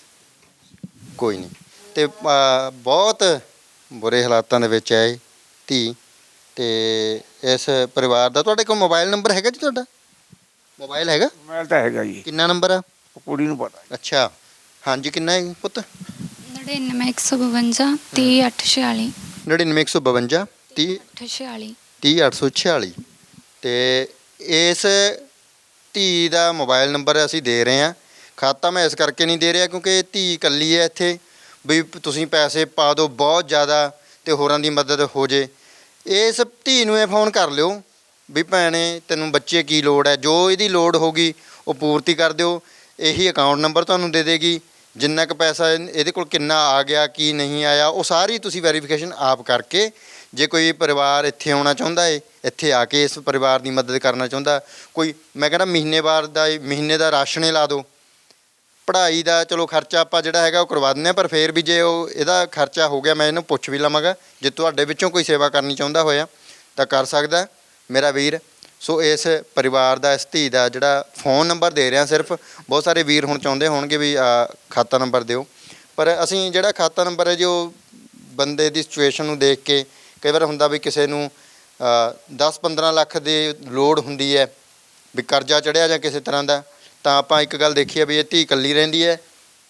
[SPEAKER 1] ਕੋਈ ਨਹੀਂ। ਅਤੇ ਬਹੁਤ ਬੁਰੇ ਹਾਲਾਤਾਂ ਦੇ ਵਿੱਚ ਹੈ ਇਹ ਧੀ। ਅਤੇ ਇਸ ਪਰਿਵਾਰ ਦਾ ਤੁਹਾਡੇ ਕੋਲ ਮੋਬਾਈਲ ਨੰਬਰ ਹੈਗਾ ਜੀ? ਤੁਹਾਡਾ ਮੋਬਾਈਲ ਹੈਗਾ?
[SPEAKER 2] ਮੋਬਾਈਲ ਤਾਂ ਹੈਗਾ ਜੀ।
[SPEAKER 1] ਕਿੰਨਾ ਨੰਬਰ ਆ?
[SPEAKER 2] ਉਹ ਕੁੜੀ ਨੂੰ ਪਤਾ।
[SPEAKER 1] ਅੱਛਾ, ਹਾਂਜੀ। ਕਿੰਨਾ ਹੈ ਪੁੱਤ?
[SPEAKER 3] 99 152 30 846।
[SPEAKER 1] 99 152 30
[SPEAKER 3] 846।
[SPEAKER 1] 30 846। ਅਤੇ ਇਸ ਧੀ ਦਾ ਮੋਬਾਈਲ ਨੰਬਰ ਅਸੀਂ ਦੇ ਰਹੇ ਹਾਂ। ਖਾਤਾ ਮੈਂ ਇਸ ਕਰਕੇ ਨਹੀਂ ਦੇ ਰਿਹਾ ਕਿਉਂਕਿ ਧੀ ਇਕੱਲੀ ਹੈ ਇੱਥੇ, ਵੀ ਤੁਸੀਂ ਪੈਸੇ ਪਾ ਦਿਓ ਬਹੁਤ ਜ਼ਿਆਦਾ ਅਤੇ ਹੋਰਾਂ ਦੀ ਮਦਦ ਹੋ ਜੇ। ਇਸ ਧੀ ਨੂੰ ਇਹ ਫੋਨ ਕਰ ਲਿਓ ਵੀ ਭੈਣੇ ਤੈਨੂੰ ਬੱਚੇ ਕੀ ਲੋੜ ਹੈ, ਜੋ ਇਹਦੀ ਲੋੜ ਹੋਊਗੀ ਉਹ ਪੂਰਤੀ ਕਰ ਦਿਓ। ਇਹੀ ਅਕਾਊਂਟ ਨੰਬਰ ਤੁਹਾਨੂੰ ਦੇ ਦੇਗੀ। ਜਿੰਨਾ ਕੁ ਪੈਸਾ ਇਹਦੇ ਕੋਲ ਕਿੰਨਾ ਆ ਗਿਆ ਕੀ ਨਹੀਂ ਆਇਆ ਉਹ ਸਾਰੀ ਤੁਸੀਂ ਵੈਰੀਫਿਕੇਸ਼ਨ ਆਪ ਕਰਕੇ, ਜੇ ਕੋਈ ਪਰਿਵਾਰ ਇੱਥੇ ਆਉਣਾ ਚਾਹੁੰਦਾ ਹੈ, ਇੱਥੇ ਆ ਕੇ ਇਸ ਪਰਿਵਾਰ ਦੀ ਮਦਦ ਕਰਨਾ ਚਾਹੁੰਦਾ, ਕੋਈ ਮੈਂ ਕਹਿੰਦਾ ਮਹੀਨੇ ਦਾ ਰਾਸ਼ਨ ਲਾ ਦਿਓ। ਪੜ੍ਹਾਈ ਦਾ ਚਲੋ ਖਰਚਾ ਆਪਾਂ ਜਿਹੜਾ ਹੈਗਾ ਉਹ ਕਰਵਾ ਦਿੰਦੇ ਹਾਂ, ਪਰ ਫਿਰ ਵੀ ਜੇ ਉਹ ਇਹਦਾ ਖਰਚਾ ਹੋ ਗਿਆ ਮੈਂ ਇਹਨੂੰ ਪੁੱਛ ਵੀ ਲਵਾਂਗਾ। ਜੇ ਤੁਹਾਡੇ ਵਿੱਚੋਂ ਕੋਈ ਸੇਵਾ ਕਰਨੀ ਚਾਹੁੰਦਾ ਹੋਇਆ ਤਾਂ ਕਰ ਸਕਦਾ ਮੇਰਾ ਵੀਰ। ਸੋ ਇਸ ਪਰਿਵਾਰ ਦਾ, ਇਸ ਧੀ ਦਾ ਜਿਹੜਾ ਫੋਨ ਨੰਬਰ ਦੇ ਰਿਹਾ ਸਿਰਫ, ਬਹੁਤ ਸਾਰੇ ਵੀਰ ਹੁਣ ਚਾਹੁੰਦੇ ਹੋਣਗੇ ਵੀ ਖਾਤਾ ਨੰਬਰ ਦਿਓ, ਪਰ ਅਸੀਂ ਜਿਹੜਾ ਖਾਤਾ ਨੰਬਰ ਹੈ ਜੋ ਬੰਦੇ ਦੀ ਸਿਚੁਏਸ਼ਨ ਨੂੰ ਦੇਖ ਕੇ, ਕਈ ਵਾਰ ਹੁੰਦਾ ਵੀ ਕਿਸੇ ਨੂੰ 10-15 ਲੱਖ ਦੀ ਲੋੜ ਹੁੰਦੀ ਹੈ ਵੀ ਕਰਜ਼ਾ ਚੜ੍ਹਿਆ ਜਾਂ ਕਿਸੇ ਤਰ੍ਹਾਂ ਦਾ, ਤਾਂ ਆਪਾਂ ਇੱਕ ਗੱਲ ਦੇਖੀ ਹੈ ਵੀ ਇਹ ਧੀ ਇਕੱਲੀ ਰਹਿੰਦੀ ਹੈ।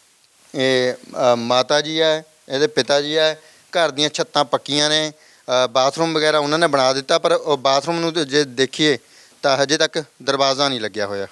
[SPEAKER 1] ਇਹ ਮਾਤਾ ਜੀ ਹੈ, ਇਹਦੇ ਪਿਤਾ ਜੀ ਹੈ, ਘਰ ਦੀਆਂ ਛੱਤਾਂ ਪੱਕੀਆਂ ਨੇ, ਬਾਥਰੂਮ ਵਗੈਰਾ ਉਹਨਾਂ ਨੇ ਬਣਾ ਦਿੱਤਾ, ਪਰ ਉਹ ਬਾਥਰੂਮ ਨੂੰ ਜੇ ਦੇਖੀਏ ਤਾਂ ਹਜੇ ਤੱਕ ਦਰਵਾਜ਼ਾ ਨਹੀਂ ਲੱਗਿਆ ਹੋਇਆ।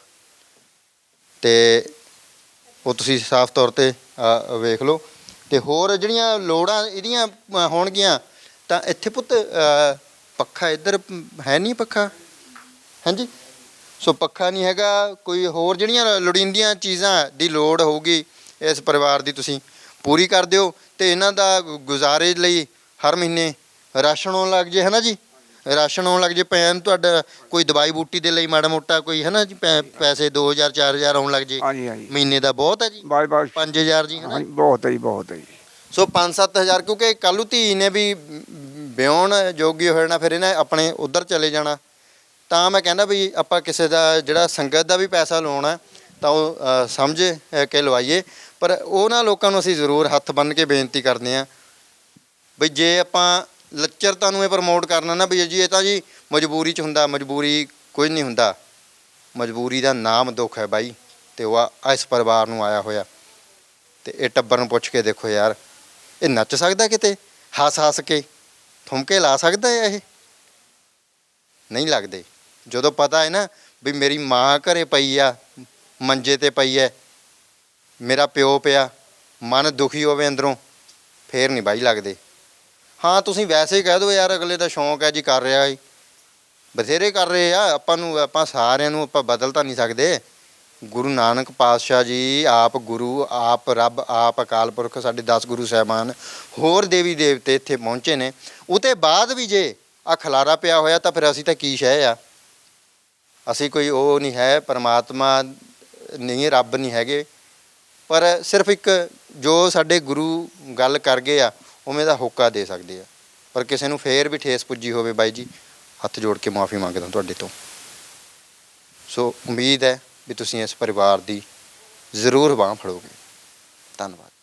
[SPEAKER 1] ਅਤੇ ਉਹ ਤੁਸੀਂ ਸਾਫ਼ ਤੌਰ 'ਤੇ ਵੇਖ ਲਓ। ਅਤੇ ਹੋਰ ਜਿਹੜੀਆਂ ਲੋੜਾਂ ਇਹਦੀਆਂ ਹੋਣਗੀਆਂ ਤਾਂ ਇੱਥੇ ਪੁੱਤ ਪੱਖਾ ਇੱਧਰ ਹੈ ਨਹੀਂ, ਪੱਖਾ ਹਾਂਜੀ। ਸੋ ਪੱਖਾ ਨਹੀਂ ਹੈਗਾ, ਕੋਈ ਹੋਰ ਜਿਹੜੀਆਂ ਲੋੜੀਂਦੀਆਂ ਚੀਜ਼ਾਂ ਦੀ ਲੋੜ ਹੋਊਗੀ ਇਸ ਪਰਿਵਾਰ ਦੀ ਤੁਸੀਂ ਪੂਰੀ ਕਰ ਦਿਓ। ਅਤੇ ਇਹਨਾਂ ਦਾ ਗੁਜ਼ਾਰੇ ਲਈ ਹਰ ਮਹੀਨੇ ਰਾਸ਼ਨ ਆਉਣ ਲੱਗ ਜੇ, ਹੈ ਨਾ ਜੀ? ਰਾਸ਼ਨ ਆਉਣ ਲੱਗ ਜੇ, ਪੈਨ ਤੁਹਾਡਾ ਕੋਈ ਦਵਾਈ ਬੂਟੀ ਦੇ ਲਈ ਮਾੜਾ ਮੋਟਾ ਕੋਈ ਹੈ ਨਾ ਜੀ, ਪੈਸੇ 2000 4000 ਆਉਣ ਲੱਗ ਜੇ
[SPEAKER 2] ਹਾਂਜੀ ਹਾਂਜੀ।
[SPEAKER 1] ਮਹੀਨੇ ਦਾ ਬਹੁਤ ਹੈ ਜੀ। 5000 ਜੀ, ਹੈ ਨਾ?
[SPEAKER 2] ਬਹੁਤ ਹੈ ਜੀ, ਬਹੁਤ ਹੈ ਜੀ।
[SPEAKER 1] ਸੋ 5-7 ਹਜ਼ਾਰ, ਕਿਉਂਕਿ ਕੱਲ੍ਹ ਨੂੰ ਧੀ ਨੇ ਵੀ ਵਿਆਹੁਣ ਜੋਗੀ ਹੋ ਜਾਣਾ, ਫਿਰ ਇਹਨੇ ਆਪਣੇ ਉੱਧਰ ਚਲੇ ਜਾਣਾ। ਤਾਂ ਮੈਂ ਕਹਿੰਦਾ ਵੀ ਆਪਾਂ ਕਿਸੇ ਦਾ ਜਿਹੜਾ ਸੰਗਤ ਦਾ ਵੀ ਪੈਸਾ ਲਾਉਣਾ ਤਾਂ ਉਹ ਸਮਝ ਕੇ ਲਵਾਈਏ। ਪਰ ਉਹਨਾਂ ਲੋਕਾਂ ਨੂੰ ਅਸੀਂ ਜ਼ਰੂਰ ਹੱਥ ਬੰਨ੍ਹ ਕੇ ਬੇਨਤੀ ਕਰਦੇ ਹਾਂ ਵੀ ਜੇ ਆਪਾਂ ਲੱਚਰਤਾ ਨੂੰ ਇਹ ਪ੍ਰਮੋਟ ਕਰਨਾ ਨਾ ਵੀ ਜੀ ਇਹ ਤਾਂ ਜੀ ਮਜਬੂਰੀ 'ਚ ਹੁੰਦਾ, ਮਜਬੂਰੀ ਕੁਝ ਨਹੀਂ ਹੁੰਦਾ। ਮਜਬੂਰੀ ਦਾ ਨਾਮ ਦੁੱਖ ਹੈ ਬਾਈ, ਅਤੇ ਉਹ ਇਸ ਪਰਿਵਾਰ ਨੂੰ ਆਇਆ ਹੋਇਆ। ਅਤੇ ਇਹ ਟੱਬਰ ਨੂੰ ਪੁੱਛ ਕੇ ਦੇਖੋ ਯਾਰ, ਇਹ ਨੱਚ ਸਕਦਾ ਕਿਤੇ ਹੱਸ ਕੇ, ਠੁਮਕੇ ਲਾ ਸਕਦਾ ਹੈ? ਇਹ ਨਹੀਂ ਲੱਗਦੇ। ਜਦੋਂ ਪਤਾ ਹੈ ਨਾ ਵੀ ਮੇਰੀ ਮਾਂ ਘਰੇ ਪਈ ਆ, ਮੰਜੇ 'ਤੇ ਪਈ ਹੈ, ਮੇਰਾ ਪਿਓ ਪਿਆ, ਮਨ ਦੁਖੀ ਹੋਵੇ ਅੰਦਰੋਂ, ਫੇਰ ਨਹੀਂ ਬਾਈ ਲੱਗਦੇ। ਹਾਂ ਤੁਸੀਂ ਵੈਸੇ ਹੀ ਕਹਿ ਦਿਓ ਯਾਰ ਅਗਲੇ ਦਾ ਸ਼ੌਂਕ ਹੈ ਜੀ, ਕਰ ਰਿਹਾ ਜੀ, ਬਥੇਰੇ ਕਰ ਰਹੇ ਆ। ਆਪਾਂ ਸਾਰਿਆਂ ਨੂੰ ਆਪਾਂ ਬਦਲ ਤਾਂ ਨਹੀਂ ਸਕਦੇ। ਗੁਰੂ ਨਾਨਕ ਪਾਤਸ਼ਾਹ ਜੀ ਆਪ ਗੁਰੂ, ਆਪ ਰੱਬ, ਆਪ ਅਕਾਲ ਪੁਰਖ, ਸਾਡੇ 10 ਗੁਰੂ ਸਾਹਿਬਾਨ, ਹੋਰ ਦੇਵੀ ਦੇਵਤੇ ਇੱਥੇ ਪਹੁੰਚੇ ਨੇ। ਉਹਦੇ ਬਾਅਦ ਵੀ ਜੇ ਆਹ ਖਲਾਰਾ ਪਿਆ ਹੋਇਆ ਤਾਂ ਫਿਰ ਅਸੀਂ ਤਾਂ ਕੀ ਸ਼ੈ ਆ? ਅਸੀਂ ਕੋਈ ਉਹ ਨਹੀਂ ਹੈ, ਪਰਮਾਤਮਾ ਨਹੀਂ, ਰੱਬ ਨਹੀਂ ਹੈਗੇ। ਪਰ ਸਿਰਫ ਇੱਕ ਜੋ ਸਾਡੇ ਗੁਰੂ ਗੱਲ ਕਰ ਗਏ ਆ ਉਵੇਂ ਦਾ ਹੋਕਾ ਦੇ ਸਕਦੇ ਆ। ਪਰ ਕਿਸੇ ਨੂੰ ਫੇਰ ਵੀ ਠੇਸ ਪੁੱਜੀ ਹੋਵੇ ਬਾਈ ਜੀ, ਹੱਥ ਜੋੜ ਕੇ ਮਾफ़ੀ ਮੰਗਦਾ ਤੁਹਾਡੇ ਤੋਂ। ਸੋ ਉਮੀਦ ਹੈ ਵੀ ਤੁਸੀਂ ਇਸ ਪਰਿਵਾਰ ਦੀ ਜ਼ਰੂਰ ਬਾਂਹ ਫੜੋਗੇ। ਧੰਨਵਾਦ।